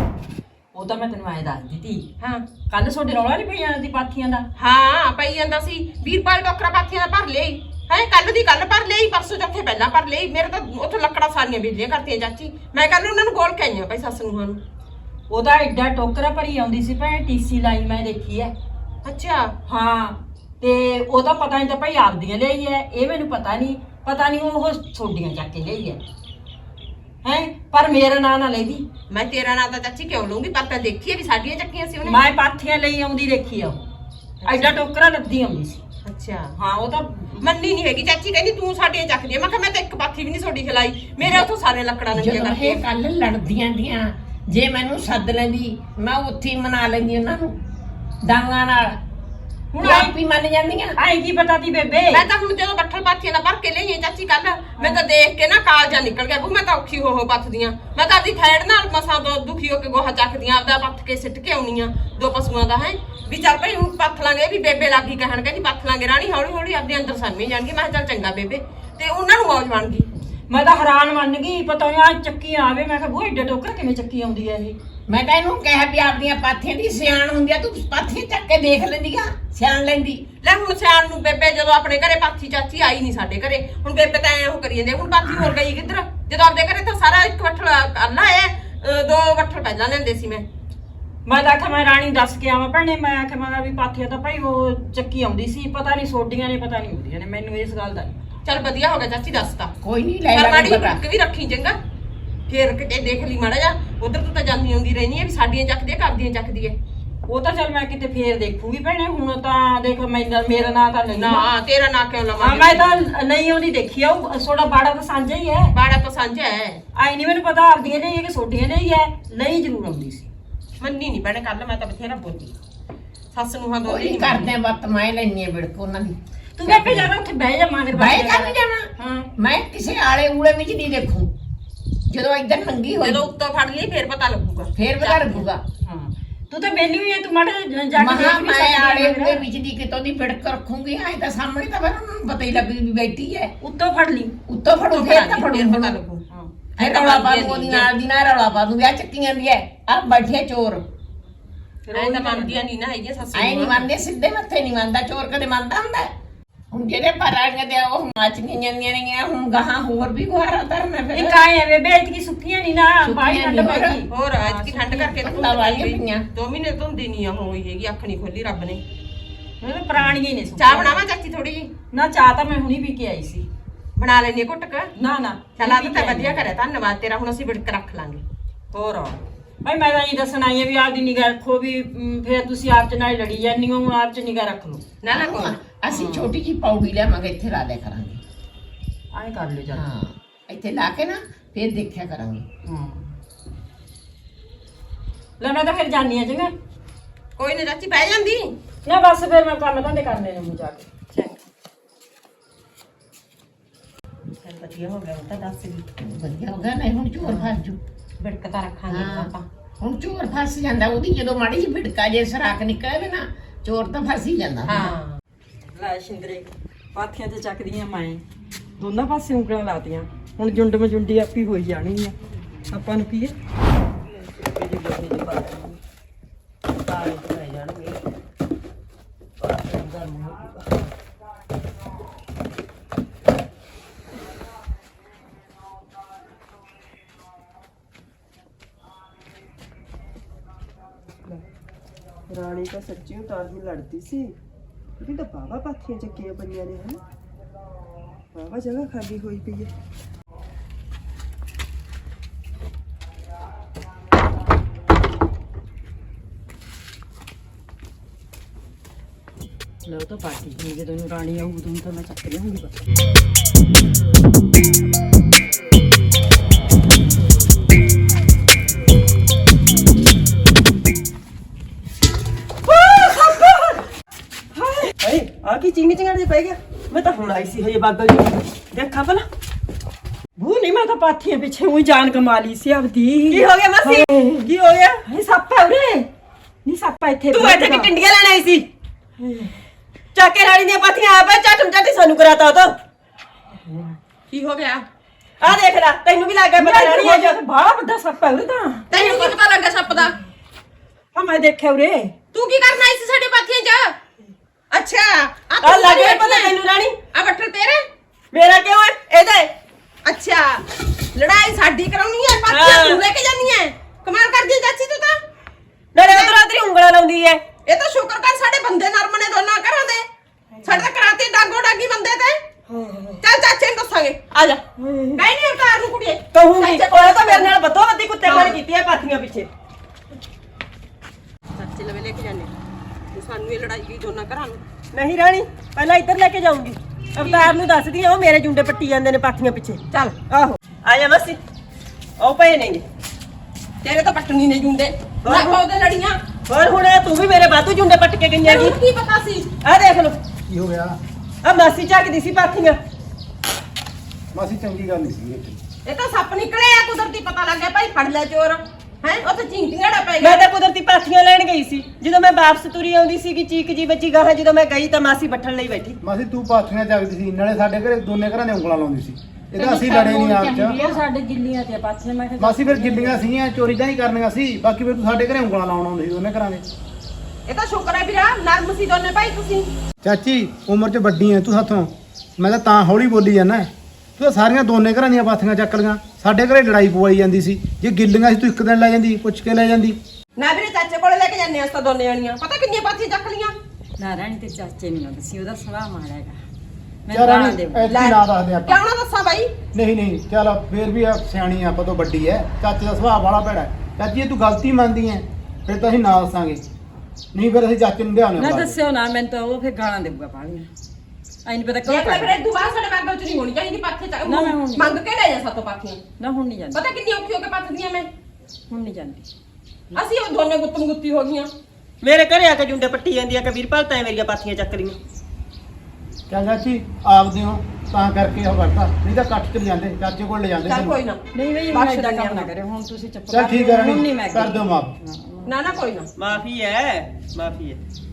[SPEAKER 3] ਉਹ ਤਾਂ ਮੈਂ ਤੈਨੂੰ ਐਂ ਦੱਸ ਦਿੱਤੀ
[SPEAKER 1] ਹਾਂ
[SPEAKER 3] ਕੱਲ ਤੁਹਾਡੇ ਰੌਲਾ ਨਹੀਂ ਪਈ ਜਾਣਾ ਸੀ ਪਾਥੀਆਂ ਦਾ
[SPEAKER 1] ਹਾਂ ਪਈ ਜਾਂਦਾ ਸੀ ਵੀਰਪਾਲ ਟੋਕਰਾ ਪਾਥੀਆਂ ਦਾ ਭਰ ਲਈ ਹੈ ਕੱਲ ਦੀ ਕੱਲ ਭਰ ਲਈ ਪਰਸੋਂ ਚੌਥੇ ਪਹਿਲਾਂ ਭਰ ਲਈ ਮੇਰੇ ਤਾਂ ਉੱਥੇ ਲੱਕੜਾਂ ਸਾਰੀਆਂ ਬਿਜਲੀਆਂ ਕਰਤੀਆਂ ਚਾਚੀ ਮੈਂ ਕੱਲ ਉਹਨਾਂ ਨੂੰ ਗੋਲ ਕੇ ਆਈਆਂ ਭਾਈ ਸੱਸ ਨੂੰ ਨੂੰ
[SPEAKER 3] ਉਹਦਾ ਐਡਾ ਟੋਕਰਾ ਭਰੀ ਆਉਂਦੀ ਸੀ ਭੈਣ ਟੀਸੀ ਲਾਈ ਮੈਂ ਦੇਖੀ ਐ
[SPEAKER 1] ਅੱਛਾ
[SPEAKER 3] ਹਾਂ ਤੇ ਉਹਦਾ ਪਤਾ ਨਹੀਂ ਤਾਂ ਭਾਈ ਆਪਦੀਆਂ ਲਈ ਐ ਇਹ ਮੈਨੂੰ ਪਤਾ ਨਹੀਂ ਪਤਾ ਨਹੀਂ ਉਹ ਛੋਡੀਆਂ ਚੱਕ ਕੇ ਲਈ ਐ ਹੈ ਪਰ ਮੇਰਾ ਨਾਂ ਨਾ ਲੈਦੀ।
[SPEAKER 1] ਮੈਂ ਤੇਰਾ ਨਾਂ ਤਾਂ ਚਾਚੀ ਕਿਉਂ ਲਊਂਗੀ, ਪਰ ਤਾਂ ਦੇਖੀਏ ਵੀ ਸਾਡੀਆਂ ਚੱਕੀਆਂ ਸੀ ਉਹਨੇ।
[SPEAKER 3] ਮੈਂ ਪਾਥੀਆਂ ਲਈ ਆਉਂਦੀ ਦੇਖੀ ਆ ਉਹ ਐਡਾ ਟੋਕਰਾ ਲੱਦੀ ਆਉਂਦੀ ਸੀ।
[SPEAKER 1] ਅੱਛਾ
[SPEAKER 3] ਹਾਂ ਉਹ ਤਾਂ
[SPEAKER 1] ਮੰਨੀ ਨਹੀਂ ਹੈਗੀ ਚਾਚੀ, ਕਹਿੰਦੀ ਤੂੰ ਸਾਡੀਆਂ ਚੱਕਦੀਆਂ। ਮੈਂ ਕਿਹਾ ਮੈਂ ਤਾਂ ਇੱਕ ਪਾਥੀ ਵੀ ਨਹੀਂ ਤੁਹਾਡੀ ਖਿਲਾਈ, ਮੇਰੇ ਉੱਥੋਂ ਸਾਰੇ ਲੱਕੜਾਂ ਨੰਗੀਆਂ
[SPEAKER 6] ਜਦੋਂ
[SPEAKER 1] ਕਰਕੇ।
[SPEAKER 6] ਇਹ ਕੱਲ ਲੜਦੀਆਂ ਦੀਆਂ ਜੇ ਮੈਨੂੰ ਸੱਦ ਲੈਂਦੀ ਮੈਂ ਉੱਥੇ ਹੀ ਮਨਾ ਲੈਂਦੀ ਉਹਨਾਂ ਨੂੰ ਡਾਂਗਾਂ ਨਾਲ। ਹੁਣ ਆਪ ਹੀ ਮੰਨ ਜਾਂਦੀਆਂ।
[SPEAKER 3] ਆਈ ਕੀ ਪਤਾ ਤੀ ਬੇਬੇ।
[SPEAKER 1] ਮੈਂ ਤਾਂ ਹੁਣ ਜਦੋਂ ਬੱਠਲ ਪਾਥੀਆਂ ਨਾਲ ਭਰ ਕੇ ਲਈ ਚਾਚੀ ਕੱਲ, ਮੈਂ ਤਾਂ ਦੇਖ ਕੇ ਨਾ ਕਾਲਜਾ ਨਿਕਲ ਗਿਆ। ਬੂ ਮੈਂ ਤਾਂ ਔਖੀ ਹੋ ਹੋ ਪੱਥਦੀਆਂ। ਮੈਂ ਤਾਂ ਆਪਦੀ ਥੈੜ ਨਾਲ ਮਸਾਂ ਤੋਂ ਦੁਖੀ ਹੋ ਕੇ ਗੋਹਾ ਚੱਕਦੀਆਂ, ਆਪਦਾ ਪੱਥ ਕੇ ਸਿੱਟ ਕੇ ਆਉਣੀਆਂ ਦੋ ਪਸ਼ੂਆਂ ਦਾ। ਹੈ ਵੀ ਚੱਲ ਭਾਈ ਹੁਣ ਪੱਥ ਲਾਂਗੇ, ਵੀ ਬੇਬੇ ਲੱਗੀ ਕਹਿਣ ਕਹਿੰਦੀ ਪੱਥ ਲਾਂਗੇ ਰਾਣੀ, ਹੌਲੀ ਹੌਲੀ ਆਪਦੇ ਅੰਦਰ ਸਾਮੀ ਜਾਣਗੇ। ਮੈਂ ਕਿਹਾ ਚੱਲ ਚੰਗਾ ਬੇਬੇ, ਤੇ ਉਹਨਾਂ ਨੂੰ ਮੌਜ ਬਣ ਗਈ।
[SPEAKER 3] ਮੈਂ ਤਾਂ ਹੈਰਾਨ ਮੰਨ ਗਈ, ਪਤਾ ਨਹੀਂ ਆ ਚੱਕੀ ਆਵੇ। ਮੈਂ ਕਿਹਾ ਉਹ ਐਡਾ ਟੋਕਰਾ ਕਿਵੇਂ ਚੱਕੀ ਆਉਂਦੀ ਹੈ ਇਹ।
[SPEAKER 6] ਮੈਂ ਤਾਂ ਇਹਨੂੰ ਕਿਹਾ ਵੀ ਆਪਦੀਆਂ ਪਾਥੀਆਂ ਦੀ ਸਿਆਣ ਹੁੰਦੀ ਆ, ਤੂੰ ਪਾਥੀਆਂ ਚੱਕ ਕੇ ਦੇਖ ਲੈਂਦੀ ਆ, ਸਿਆਣ ਲੈਂਦੀ।
[SPEAKER 1] ਲੈ ਹੁਣ ਸਿਆਣ ਨੂੰ ਬੇਬੇ ਜਦੋਂ ਆਪਣੇ ਘਰੇ ਪਾਥੀ ਚਾਚੀ ਆਈ ਨਹੀਂ ਸਾਡੇ ਘਰੇ, ਹੁਣ ਬੇਬੇ ਤਾਂ ਐ ਉਹ ਕਰੀ ਜਾਂਦੇ। ਹੁਣ ਪਾਥੀ ਹੋਰ ਗਈ ਕਿੱਧਰ? ਜਦੋਂ ਆਪਦੇ ਘਰੇ ਤਾਂ ਸਾਰਾ ਇੱਕ ਵੱਠਲ ਅੱਲਾ ਹੈ, ਦੋ ਵੱਠਲ ਪਹਿਲਾਂ ਲੈਂਦੇ ਸੀ ਮੈਂ।
[SPEAKER 3] ਮੈਂ ਤਾਂ ਆਖਿਆ ਮੈਂ ਰਾਣੀ ਦੱਸ ਕੇ ਆਵਾਂ ਭੈਣੇ। ਮੈਂ ਆਖਿਆ ਮੈਂ ਵੀ ਪਾਥੀਆਂ ਤਾਂ ਭਾਈ ਉਹ ਚੱਕੀ ਆਉਂਦੀ ਸੀ, ਪਤਾ ਨਹੀਂ ਸੋਡੀਆਂ ਨੇ ਪਤਾ ਨਹੀਂ ਹੁੰਦੀਆਂ ਨੇ, ਮੈਨੂੰ ਇਸ ਗੱਲ ਦਾ ਨਹੀਂ।
[SPEAKER 1] ਚੱਲ ਵਧੀਆ ਹੋ ਗਿਆ ਚਾਚੀ ਦੱਸਤਾ।
[SPEAKER 6] ਕੋਈ ਨਹੀਂ ਲੈ
[SPEAKER 1] ਪਰ ਮਾੜੀ
[SPEAKER 6] ਲਾਂਗੇ ਪਤਾ।
[SPEAKER 1] ਬੁੱਕ ਵੀ ਰੱਖੀ ਚੰਗਾ, ਫੇਰ ਕਿਤੇ ਦੇਖ ਲਈ ਮਾੜਾ ਜਾ। ਉਧਰ ਤੂੰ ਤਾਂ ਜਾਂਦੀ ਆਉਂਦੀ ਰਹਿਣੀ ਹੈ ਵੀ ਸਾਡੀਆਂ ਚੱਕਦੀ ਹੈ, ਕਰਦੀਆਂ ਚੱਕਦੀ ਹੈ।
[SPEAKER 3] ਉਹ ਤਾਂ ਚੱਲ ਮੈਂ ਕਿਤੇ ਫੇਰ ਦੇਖੂਗੀ ਭੈਣੇ। ਹੁਣ ਤਾਂ ਦੇਖ ਮੈਂ ਮੇਰਾ ਨਾਂ ਤਾਂ ਨਹੀਂ
[SPEAKER 1] ਨਾ ਤੇਰਾ ਨਾਂ ਕਿਉਂ
[SPEAKER 3] ਹਾਂ
[SPEAKER 1] ਲਵਾਂਗੇ?
[SPEAKER 3] ਮੈਂ ਤਾਂ ਨਹੀਂ ਆਉਂਦੀ ਦੇਖੀ ਆ। ਥੋੜਾ ਬਾੜਾ ਤਾਂ ਸਾਂਝਾ ਹੀ ਹੈ।
[SPEAKER 1] ਬਾੜਾ ਤਾਂ ਸਾਂਝਾ ਹੈ।
[SPEAKER 3] ਆਈ ਨਹੀਂ ਮੈਨੂੰ ਪਤਾ ਆਪਦੀਆਂ ਨਹੀਂ ਹੈ ਕਿ ਸੋਡੀਆਂ ਨਹੀਂ ਹੈ। ਨਹੀਂ ਜ਼ਰੂਰ ਆਉਂਦੀ ਸੀ।
[SPEAKER 1] ਮੰਨੀ ਨਹੀਂ ਭੈਣੇ, ਕੱਲ ਮੈਂ ਤਾਂ ਬਥੇਰਾ ਬੋਲੀ ਸੱਸ ਨੂੰ ਹਾਂ
[SPEAKER 6] ਕੋਈ
[SPEAKER 1] ਦੋਨੇ
[SPEAKER 6] ਨਹੀਂ ਕਰਦੇ ਵਤ ਮੈਂ ਲੈਣੀ ਆ ਬਿੜਕ ਉਹਨਾਂ ਦੀ।
[SPEAKER 3] ਤੂੰ ਬੇਬੇ ਜਾਣਾ ਉੱਥੇ ਬਹਿ ਜਾ ਮਗਰ
[SPEAKER 6] ਬਾਏ ਕਰ ਨਹੀਂ ਜਾਣਾ।
[SPEAKER 3] ਹਾਂ
[SPEAKER 6] ਮੈਂ ਕਿਸੇ ਆਲੇ ਊਲੇ ਵਿੱਚ ਨਹੀਂ ਦੇਖੂ। ਜਦੋਂ ਇੱਧਰ ਨੰਗੀ ਹੋਈ
[SPEAKER 1] ਜਦੋਂ ਉੱਤੋਂ ਫੜ ਲਈ ਫੇਰ ਪਤਾ ਲੱਗੂਗਾ।
[SPEAKER 6] ਫੇਰ ਪਤਾ ਲੱਗੂਗਾ।
[SPEAKER 3] ਹਾਂ ਤੂੰ ਤਾਂ ਬੇਲੀ ਹੋਈ ਹੈ। ਤੂੰ ਮਾੜਾ ਜਾ ਕੇ
[SPEAKER 6] ਮਹਾ
[SPEAKER 3] ਦੇਖ ਵੀ
[SPEAKER 6] ਮੈਂ
[SPEAKER 3] ਸਕਦੀ
[SPEAKER 6] ਆਲੇ
[SPEAKER 3] ਹੈ।
[SPEAKER 6] ਊਲੇ ਵਿੱਚ ਦੀ ਕਿਤੋਂ ਦੀ ਬਿੜਕ ਰੱਖੂਗੀ। ਐ ਤਾਂ ਸਾਹਮਣੇ ਤਾਂ ਫਿਰ ਉਹਨਾਂ ਨੂੰ ਪਤਾ ਹੀ ਲੱਗੂ ਵੀ ਬੈਠੀ ਹੈ।
[SPEAKER 3] ਉੱਤੋਂ ਫੜ ਲਈ।
[SPEAKER 6] ਉੱਤੋਂ ਫੜੂ ਫੇਰ ਤਾਂ ਫੜੂ
[SPEAKER 1] ਫੇਰ ਪਤਾ ਲੱਗੂ।
[SPEAKER 3] ਹਾਂ
[SPEAKER 6] ਫੇਰ ਰੌਲਾ ਪਾ ਦੂ ਉਹਦੀ ਨਾਲ ਦੀ ਨਾਲ ਰੌਲਾ ਪਾ ਦੂ ਵੀ ਆ ਚੱਕੀਆਂ ਦੀ ਹੈ ਆ ਬੈਠੇ ਚੋਰ।
[SPEAKER 1] ਐ ਤਾਂ ਮੰਨਦੀਆਂ ਨਹੀਂ ਨਾ ਹੈਗੀਆਂ ਸੱਸ
[SPEAKER 6] ਐ ਨਹੀਂ ਮੰਨਦੇ ਸਿੱਧੇ ਮੱਥੇ ਨਹੀਂ ਮੰਨਦਾ। ਚੋਰ ਕਦੇ ਮੰਨਦਾ ਹੁੰਦਾ? ਹੁਣ ਜਿਹੜੇ ਪਰਾਂਗੇ ਦੇ ਉਹ ਮੱਚੀਆਂ ਜਾਂਦੀਆਂ ਨੇ। ਹੁਣ ਗਾਹਾਂ ਹੋਰ ਵੀ ਗੁਹਾਰਾ ਧਰਨਾ ਫਿਰ।
[SPEAKER 3] ਇਹ ਕਾਏ ਹੈ ਬੇਬੇ ਇਤਕੀ ਸੁੱਕੀਆਂ ਨਹੀਂ ਨਾ ਬਾਈ
[SPEAKER 6] ਸੁੱਕੀਆਂ
[SPEAKER 3] ਠੰਡ
[SPEAKER 6] ਨੀ
[SPEAKER 3] ਪੈ
[SPEAKER 6] ਹੋਰ।
[SPEAKER 3] ਗਈ।
[SPEAKER 1] ਹੋਰ ਅੱਜ ਕੀ ਠੰਡ ਕਰਕੇ ਤਾਂ
[SPEAKER 6] ਪੱਤਾ ਵਾਲੀਆਂ
[SPEAKER 1] ਧੁੰਦ
[SPEAKER 6] ਪਈਆਂ।
[SPEAKER 1] ਦੋ ਮਹੀਨੇ ਧੁੰਦੀ ਨਹੀਂ ਆ ਹੋਈ ਹੈਗੀ, ਅੱਖ ਨਹੀਂ ਖੋਲੀ ਰੱਬ ਨੇ।
[SPEAKER 3] ਮੈਂ ਤਾਂ ਪੁਰਾਣੀਆਂ ਹੀ ਨੇ
[SPEAKER 1] ਚਾਹ
[SPEAKER 3] ਸੁੱਕੀਆਂ।
[SPEAKER 1] ਬਣਾਵਾਂ ਚਾਚੀ ਥੋੜੀ ਜੀ?
[SPEAKER 3] ਨਾ ਚਾਹ ਤਾਂ ਮੈਂ ਹੁਣੀ ਪੀ ਕੇ ਆਈ ਸੀ।
[SPEAKER 1] ਬਣਾ ਲੈਣੀ ਘੁੱਟ ਕੇ।
[SPEAKER 3] ਨਾ ਨਾ
[SPEAKER 1] ਚੱਲ ਆ ਤਾਂ ਵਧੀਆ ਕਰਿਆ, ਧੰਨਵਾਦ ਤੇਰਾ। ਹੁਣ ਅਸੀਂ ਵਿੜਕ ਰੱਖ ਲਾਂਗੇ।
[SPEAKER 3] ਹੋਰ ਭਾਈ ਮੈਂ ਤਾਂ ਇਹ ਦੱਸਣ ਆਈ ਆ ਵੀ ਆਪਦੀ ਨਿਗਾਹ ਰੱਖੋ ਵੀ ਮ, ਫਿਰ ਤੁਸੀਂ ਆਪ ਚ ਨਾਲ ਲੜੀ ਜਾਂਦੀ ਹੋ। ਹੁਣ ਆਪ ਚ ਨਿਗਾਹ ਰੱਖ ਲਓ।
[SPEAKER 1] ਨਾ ਨਾ ਕੋਈ
[SPEAKER 6] ਅਸੀਂ ਛੋਟੀ ਜੀ ਪੌੜੀ ਲਿਆਵਾਂਗੇ ਇੱਥੇ ਲਾ ਲਿਆ ਕਰਾਂਗੇ।
[SPEAKER 3] ਆਏ ਕਰ ਲਿਓ ਜਾ।
[SPEAKER 6] ਹਾਂ ਇੱਥੇ ਲਾ ਕੇ ਨਾ ਫੇਰ ਦੇਖਿਆ ਕਰਾਂਗੇ।
[SPEAKER 3] ਹਾਂ ਲੈ ਮੈਂ ਤਾਂ ਫਿਰ ਜਾਣੀ ਆ ਚੰਗਾ।
[SPEAKER 1] ਕੋਈ ਨਹੀਂ ਚਾਚੀ ਬਹਿ ਜਾਂਦੀ।
[SPEAKER 3] ਨਾ ਬਸ ਫਿਰ ਮੈਂ ਕੰਮ ਧੰਦੇ ਕਰਨੇ ਨੇ ਹੁਣ ਜਾ ਕੇ।
[SPEAKER 1] ਚੰਗਾ ਚੱਲ ਵਧੀਆ ਹੋ ਗਿਆ, ਉਹ ਤਾਂ ਦੱਸ ਦੀ
[SPEAKER 6] ਵਧੀਆ ਹੋ ਗਿਆ। ਨਹੀਂ ਹੁਣ ਚੋਰ ਫਸ ਜੂ।
[SPEAKER 1] ਵਿੜਕ ਤਾਂ ਰੱਖਾਂਗੇ
[SPEAKER 6] ਹਾਂ।
[SPEAKER 1] ਆਪਾਂ।
[SPEAKER 6] ਹੁਣ ਚੋਰ ਫਸ ਜਾਂਦਾ ਉਹਦੀ ਜਦੋਂ ਮਾੜੀ ਜਿਹੀ ਭਿੜਕਾ ਜੇ ਸਰਾਕ ਨਿਕਲੇ ਨਾ ਚੋਰ ਤਾਂ ਫਸ ਹੀ ਜਾਂਦਾ।
[SPEAKER 1] ਹਾਂ
[SPEAKER 3] ਲੈ ਸ਼ਿੰਦਰੇ ਪਾਥੀਆਂ ਤੇ ਚੱਕਦੀਆਂ ਮੈਂ ਦੋਨਾਂ ਪਾਸੇ ਉਂਗਲਾਂ ਲਾਤੀਆਂ। ਹੁਣ ਜੁੰਡ ਮਜੁੰਡੀ ਆਪੀ ਹੋਈ ਜਾਣੀ ਆ। ਆਪਾਂ ਨੂੰ ਕੀ ਹੈ
[SPEAKER 1] ਤਾਲੇ ਤੇ ਪੈ ਜਾਣਗੇ। ਗਰਮ ਹੋ ਜੂਗਾ।
[SPEAKER 2] ਰਾਣੀ ਤਾਂ ਸੱਚੀ ਉਤਾਰ ਹੀ ਲੜਦੀ ਸੀ। ਇਹ ਤਾਂ ਬਾਬਾ ਪਾਥੀਆਂ ਚੱਕੀਆਂ ਪਈਆਂ ਨੇ ਹਨ। ਬਾਬਾ ਜਗ੍ਹਾ ਖਾਲੀ ਹੋਈ ਪਈ ਹੈ।
[SPEAKER 3] ਲਓ ਤਾਂ ਪਾਰਟੀ ਜੀ ਜਦੋਂ ਨੂੰ ਰਾਣੀ ਆਊ ਉਦੋਂ ਤਾਂ ਮੈਂ ਚੱਕ ਲਿਆਉਂਗੀ ਬਸ।
[SPEAKER 2] ਹਾਏ ਆ ਕੀ ਚਿੰਗੀ ਚਿੰਗੜ ਜੇ ਪੈ ਗਿਆ। ਮੈਂ ਤਾਂ ਹੁਣ ਆਈ ਸੀ ਹਜੇ ਬਾਦਲ ਜੀ ਦੇਖਾ ਭਲਾ।
[SPEAKER 3] ਬੂ ਨਹੀਂ ਮੈਂ ਤਾਂ ਪਾਥੀਆਂ ਪਿੱਛੇ ਉਹੀ ਜਾਨ ਕਮਾ ਲਈ ਸੀ ਆਪਦੀ।
[SPEAKER 2] ਕੀ ਹੋ ਗਿਆ ਮਾਸੀ? ਕੀ ਹੋ ਗਿਆ?
[SPEAKER 3] ਨਹੀਂ ਸੱਪ ਹੈ ਉਰੇ। ਨਹੀਂ ਸੱਪ ਇੱਥੇ
[SPEAKER 2] ਤੂੰ ਇੱਥੇ ਕਿ ਟਿੰਡੀਆਂ ਲੈਣ ਆਈ ਸੀ? ਚੱਕ ਕੇ ਰਾਣੀ ਦੀਆਂ ਪਾਥੀਆਂ ਆ ਪੈ ਝਟਮ ਝਾਟੀ ਸਾਨੂੰ ਕਰਾਤਾ ਉਹ ਤਾਂ।
[SPEAKER 1] ਕੀ ਹੋ ਗਿਆ?
[SPEAKER 2] ਆ ਦੇਖ ਲੈ ਤੈਨੂੰ ਵੀ ਲੱਗ ਗਿਆ ਪਤਾ ਰਾਣੀ ਆ ਜਾ।
[SPEAKER 3] ਬੜਾ ਵੱਡਾ ਸੱਪ ਹੈ ਉਰੇ ਤਾਂ।
[SPEAKER 1] ਤੈਨੂੰ ਕੀ ਪਤਾ ਲੱਗਾ ਸੱਪ ਦਾ?
[SPEAKER 3] ਹਾਂ ਮੈਂ ਦੇਖਿਆ ਉਰੇ।
[SPEAKER 1] ਤੂੰ ਕੀ ਕਰਨ ਆਈ ਸੀ ਸਾਡੇ ਪਾਥੀਆਂ 'ਚ? ਅੱਛਾ
[SPEAKER 2] ਆ ਲੱਗ ਗਿਆ ਪਤਾ ਤੈਨੂੰ ਰਾਣੀ?
[SPEAKER 1] ਆ ਬੱਠਲ ਤੇਰੇ?
[SPEAKER 2] ਮੇਰਾ ਕਿਉਂ ਹੈ ਇਹਦਾ ਹੈ?
[SPEAKER 1] ਅੱਛਾ ਲੜਾਈ ਸਾਡੀ ਕਰਾਉਣੀ ਹੈ, ਪਾਥੀਆਂ
[SPEAKER 2] ਹਾਂ।
[SPEAKER 1] ਤੂੰ ਲੈ ਕੇ ਜਾਂਦੀ ਹੈ। ਕਮਾਲ ਕਰਦੀ ਹੈ ਚਾਚੀ ਤੂੰ ਤਾਂ।
[SPEAKER 2] ਡਰੇ ਉਧਰ ਤੇਰੀ ਉਂਗਲਾਂ ਲਾਉਂਦੀ ਹੈ।
[SPEAKER 1] ਇਹ ਤਾਂ ਸ਼ੁਕਰ ਕਰ ਸਾਡੇ ਬੰਦੇ ਨਰਮ ਨੇ ਦੋਨਾਂ ਘਰਾਂ ਦੇ। ਸਾਡੇ ਤਾਂ ਕਰਾਤੀ ਡਾਂਗੋ ਡਾਂਗੀ ਬੰਦੇ ਤੇ।
[SPEAKER 6] ਚੱਲ ਚਾਚੇ ਨੂੰ ਦੱਸਾਂਗੇ ਆ ਜਾ ਮੈਂ ਨਹੀਂ ਅਵਤਾਰ ਨੂੰ ਕੁੜੀਏ
[SPEAKER 2] ਕਹੂੰਗੀ
[SPEAKER 6] ਚਾਚੇ ਕੋਲ
[SPEAKER 2] ਉਹ ਤਾਂ ਮੇਰੇ ਨਾਲ ਬੱਤੋ ਬੱਤੀ ਕੁੱਤੇ ਖਾਣੀ ਕੀਤੀ ਹੈ ਪਾਥੀਆਂ ਪਿੱਛੇ
[SPEAKER 1] ਚਾਚੇ ਲਵੇ ਲੈ ਕੇ ਜਾਣੇ ਤੇ ਸਾਨੂੰ ਇਹ ਲੜਾਈ ਗਈ ਦੋਨਾਂ ਘਰਾਂ ਨੂੰ।
[SPEAKER 2] ਨਹੀਂ ਰਾਣੀ ਪਹਿਲਾਂ ਇੱਧਰ ਲੈ ਕੇ ਜਾਊਂਗੀ ਅਵਤਾਰ ਨੂੰ ਦੱਸਦੀ ਆ ਉਹ ਮੇਰੇ ਜੁੰਡੇ ਪੱਟੀ ਜਾਂਦੇ ਨੇ ਪਾਥੀਆਂ ਪਿੱਛੇ
[SPEAKER 6] ਚੱਲ
[SPEAKER 2] ਆਹੋ ਆ ਜਾ ਮਸੀ ਉਹ ਪਏ ਨੇਗੇ
[SPEAKER 6] ਤੇਰੇ ਤਾਂ ਪੱਟਣੀ ਨੇ ਜੁੰਡੇ ਨਾ ਉਹਦੇ ਲੜੀਆਂ
[SPEAKER 2] ਹੋਰ ਹੁਣ ਇਹ ਤੂੰ ਵੀ ਮੇਰੇ ਬਾਤੂ ਜੁੰਡੇ ਪੱਟ ਕੇ ਗਈਆਂ
[SPEAKER 6] ਤੈਨੂੰ
[SPEAKER 2] ਜੀ
[SPEAKER 6] ਕੀ ਪਤਾ ਸੀ
[SPEAKER 2] ਆ ਦੇਖ ਲੋ
[SPEAKER 5] ਕੀ ਹੋ ਗਿਆ
[SPEAKER 2] ਆ ਮਾਸੀ ਝੱਕਦੀ ਸੀ ਪਾਥੀਆਂ
[SPEAKER 5] ਮਾਸੀ ਚੰਗੀ ਗੱਲ ਨਹੀਂ ਸੀ ਇਹ
[SPEAKER 6] ਇਹ ਤਾਂ ਸੱਪ ਨਿਕਲੇ ਆ ਕੁਦਰਤੀ ਪਤਾ ਲੱਗ ਗਿਆ ਭਾਈ ਫੜ ਲੈ ਚੋਰ ਹੈ ਉੱਥੇ ਚਿੰਟੀਆਂ ਪੈ
[SPEAKER 2] ਮੈਂ
[SPEAKER 6] ਗਿਆ
[SPEAKER 2] ਤਾਂ ਕੁਦਰਤੀ ਪਾਥੀਆਂ ਲੈਣ ਗਈ ਸੀ ਜਦੋਂ ਮੈਂ ਵਾਪਸ ਤੁਰੀ ਆਉਂਦੀ ਸੀ ਕਿ ਚੀਕ ਜੀ ਬੱਚੀ ਗਾਹਾਂ ਜਦੋਂ ਮੈਂ ਗਈ ਤਾਂ ਮਾਸੀ ਬੱਠਣ ਲਈ ਬੈਠੀ
[SPEAKER 5] ਮਾਸੀ ਤੂੰ ਪਾਥੀਆਂ ਚੱਕਦੀ ਸੀ ਨਾਲੇ ਸਾਡੇ ਘਰੇ ਦੋਨੇ ਘਰਾਂ ਦੇ ਉਂਗਲਾਂ ਲਾਉਂਦੀ ਸੀ ਇਹਦਾ ਅਸੀਂ ਲੜੇ ਨਹੀਂ ਆਪ ਚ
[SPEAKER 3] ਉਹ ਸਾਡੇ ਗਿੱਲੀਆਂ ਤੇ ਪਾਥੇ ਮੈਂ ਕਿਹਾ
[SPEAKER 5] ਮਾਸੀ ਫਿਰ ਗਿੱਲੀਆਂ ਸੀਗੀਆਂ ਚੋਰੀ ਤਾਂ ਨਹੀਂ ਕਰਨੀਆਂ ਸੀ ਬਾਕੀ ਫਿਰ ਤੂੰ ਸਾਡੇ ਘਰੇ ਉਂਗਲਾਂ ਲਾਉਣ ਆਉਂਦੀ ਸੀ ਦੋਨੇ ਘਰਾਂ ਦੇ
[SPEAKER 6] ਇਹ ਤਾਂ ਸ਼ੁਕਰ ਹੈ ਵੀਰਾ ਨਰਮ ਸੀ ਦੋਨੇ ਭਾਈ ਤੁਸੀਂ
[SPEAKER 5] ਚਾਚੀ ਉਮਰ 'ਚ ਵੱਡੀ ਐ ਤੂੰ ਸਾਥੋਂ ਮੈਂ ਤਾਂ ਤਾਂ ਹੌਲੀ ਬੋਲੀ ਜਾਂਦਾ ਤੂੰ ਤਾਂ ਸਾਰੀਆਂ ਦੋਨੇ ਘਰਾਂ ਦੀਆਂ ਪਾਥੀਆਂ ਚੱਕ ਲਈਆਂ ਸਾਡੇ ਘਰੇ ਲੜਾਈ ਪਵਾਈ ਜਾਂਦੀ ਸੀ ਜੇ ਗਿੱਲੀਆਂ ਸੀ ਤੂੰ ਇੱਕ ਦਿਨ ਲੈ ਜਾਂਦੀ ਪੁੱਛ ਕੇ ਲੈ ਜਾਂਦੀ
[SPEAKER 6] ਨਾ ਵੀਰੇ ਚਾਚੇ ਕੋਲੇ ਲੈ ਕੇ ਜਾਂਦੇ ਆ ਤਾਂ ਦੋਨੇ ਜਣੀਆਂ ਪਤਾ ਕਿੰਨੀਆਂ ਪਾਥੀਆਂ ਚੱਕ ਲੀਆਂ
[SPEAKER 3] ਨਾ ਰਾਣੀ ਤੇ ਚਾਚੇ ਨੂੰ ਨਾ ਦੱਸੀ ਉਹਦਾ ਸੁਭਾਅ ਮਾੜਾ ਹੈਗਾ ਮੈਂ
[SPEAKER 5] ਯਾਰ
[SPEAKER 3] ਗਾਲਾਂ
[SPEAKER 5] ਰਾਣੀ
[SPEAKER 3] ਦੇਵਾਂ।
[SPEAKER 5] ਐਤੀ ਨਾ ਦੱਸਦੇ ਆਪਾਂ
[SPEAKER 6] ਕਿਉਂ ਨਾ ਦੱਸਾਂ ਬਾਈ
[SPEAKER 5] ਨਹੀਂ ਨਹੀਂ ਚੱਲ ਫੇਰ ਵੀ ਆ ਸਿਆਣੀ ਆ, ਆਪਾਂ ਤੋਂ ਵੱਡੀ ਐ ਚਾਚੇ ਦਾ ਸੁਭਾਅ ਵਾਲਾ ਭੈੜਾ ਹੈ। ਚਾਚੀ ਜੇ ਤੂੰ ਗਲਤੀ ਮੰਨਦੀ ਐ ਫਿਰ ਤਾਂ ਅਸੀਂ ਨਾ ਦੱਸਾਂਗੇ ਨਹੀਂ ਫਿਰ ਅਸੀਂ ਚਾਚੇ ਨੂੰ ਲਿਆਉਣੇ
[SPEAKER 3] ਨਾ ਦੱਸਿਓ ਨਾ ਮੈਨੂੰ ਤਾਂ ਉਹ ਫਿਰ ਗਾਲਾਂ ਦੇਊਗਾ ਪਾਲੀਆਂ ਐਂ ਨਹੀਂ ਪਤਾ
[SPEAKER 6] ਦੇਖ
[SPEAKER 3] ਕਿਉਂ
[SPEAKER 6] ਲੈ
[SPEAKER 3] ਕਰ
[SPEAKER 6] ਵੀਰੇ ਦੁਬਾਰਾ ਸਾਡੇ ਬਾਗਲ ਚ ਨਹੀਂ ਹੋਣੀ ਚਾਹੀਦੀ ਪਾਥੇ ਚੱਕ
[SPEAKER 3] ਨਾ, ਮੈਂ ਹੁਣ ਨਹੀਂ।
[SPEAKER 6] ਮੰਗ ਕੇ ਲੈ ਜਾ ਸਾਤੋਂ ਪਾਥੀਆਂ
[SPEAKER 3] ਨਾ ਹੁਣ ਨਹੀਂ ਜਾਂਦੀ
[SPEAKER 6] ਪਤਾ ਕਿੰਨੀ ਔਖੀ ਹੋ ਕੇ ਪੱਥਦੀਆਂ ਮੈਂ
[SPEAKER 3] ਹੁਣ ਨਹੀਂ ਜਾਂਦੀ
[SPEAKER 6] ਅਸੀਂ ਉਹ ਦੋਨੇ ਗੁੱਤਮ ਗੁੱਤੀ ਹੋ ਗਈਆਂ
[SPEAKER 2] ਮੇਰੇ ਘਰੇ ਆ ਕੇ ਜੁੰਡੇ ਪੱਟੀ ਜਾਂਦੀ ਆ ਕਿ ਵੀਰਪਾਲ ਤੈਂ ਮੇਰੀਆਂ ਪਾਥੀਆਂ ਚੱਕ ਲਈਆਂ
[SPEAKER 5] ਚੱਲ ਚਾਚੀ ਆਪਦੇ ਹੋ ਤਾਂ ਕਰਕੇ ਉਹ ਕਰਤਾ ਨਹੀਂ ਤਾਂ ਕੱਟ ਚ ਜਾਂਦੇ ਚਾਚੇ ਕੋਲ ਲੈ ਜਾਂਦੇ
[SPEAKER 6] ਚੱਲ
[SPEAKER 5] ਤੈਨੂੰ।
[SPEAKER 6] ਕੋਈ ਨਾ
[SPEAKER 3] ਨਹੀਂ ਬਈ
[SPEAKER 6] ਬਖਸ਼
[SPEAKER 3] ਮੈਂ ਇਦਾਂ
[SPEAKER 6] ਦਿੰਦੇ
[SPEAKER 3] ਕੰਮ ਨਾ
[SPEAKER 6] ਆਪਾਂ।
[SPEAKER 3] ਕਰਿਓ ਹੁਣ ਤੁਸੀਂ ਚੁੱਪ
[SPEAKER 5] ਚੱਲ ਠੀਕ ਹੈ
[SPEAKER 3] ਹੁਣ ਨਹੀਂ
[SPEAKER 5] ਰਾਣੀ
[SPEAKER 3] ਮੈਂ
[SPEAKER 5] ਕਰ ਦਿਓ ਮਾਫ
[SPEAKER 3] ਹਾਂ।
[SPEAKER 6] ਨਾ ਨਾ ਕੋਈ ਨਾ
[SPEAKER 2] ਮਾਫੀ ਹੈ ਮਾਫੀ ਹੈ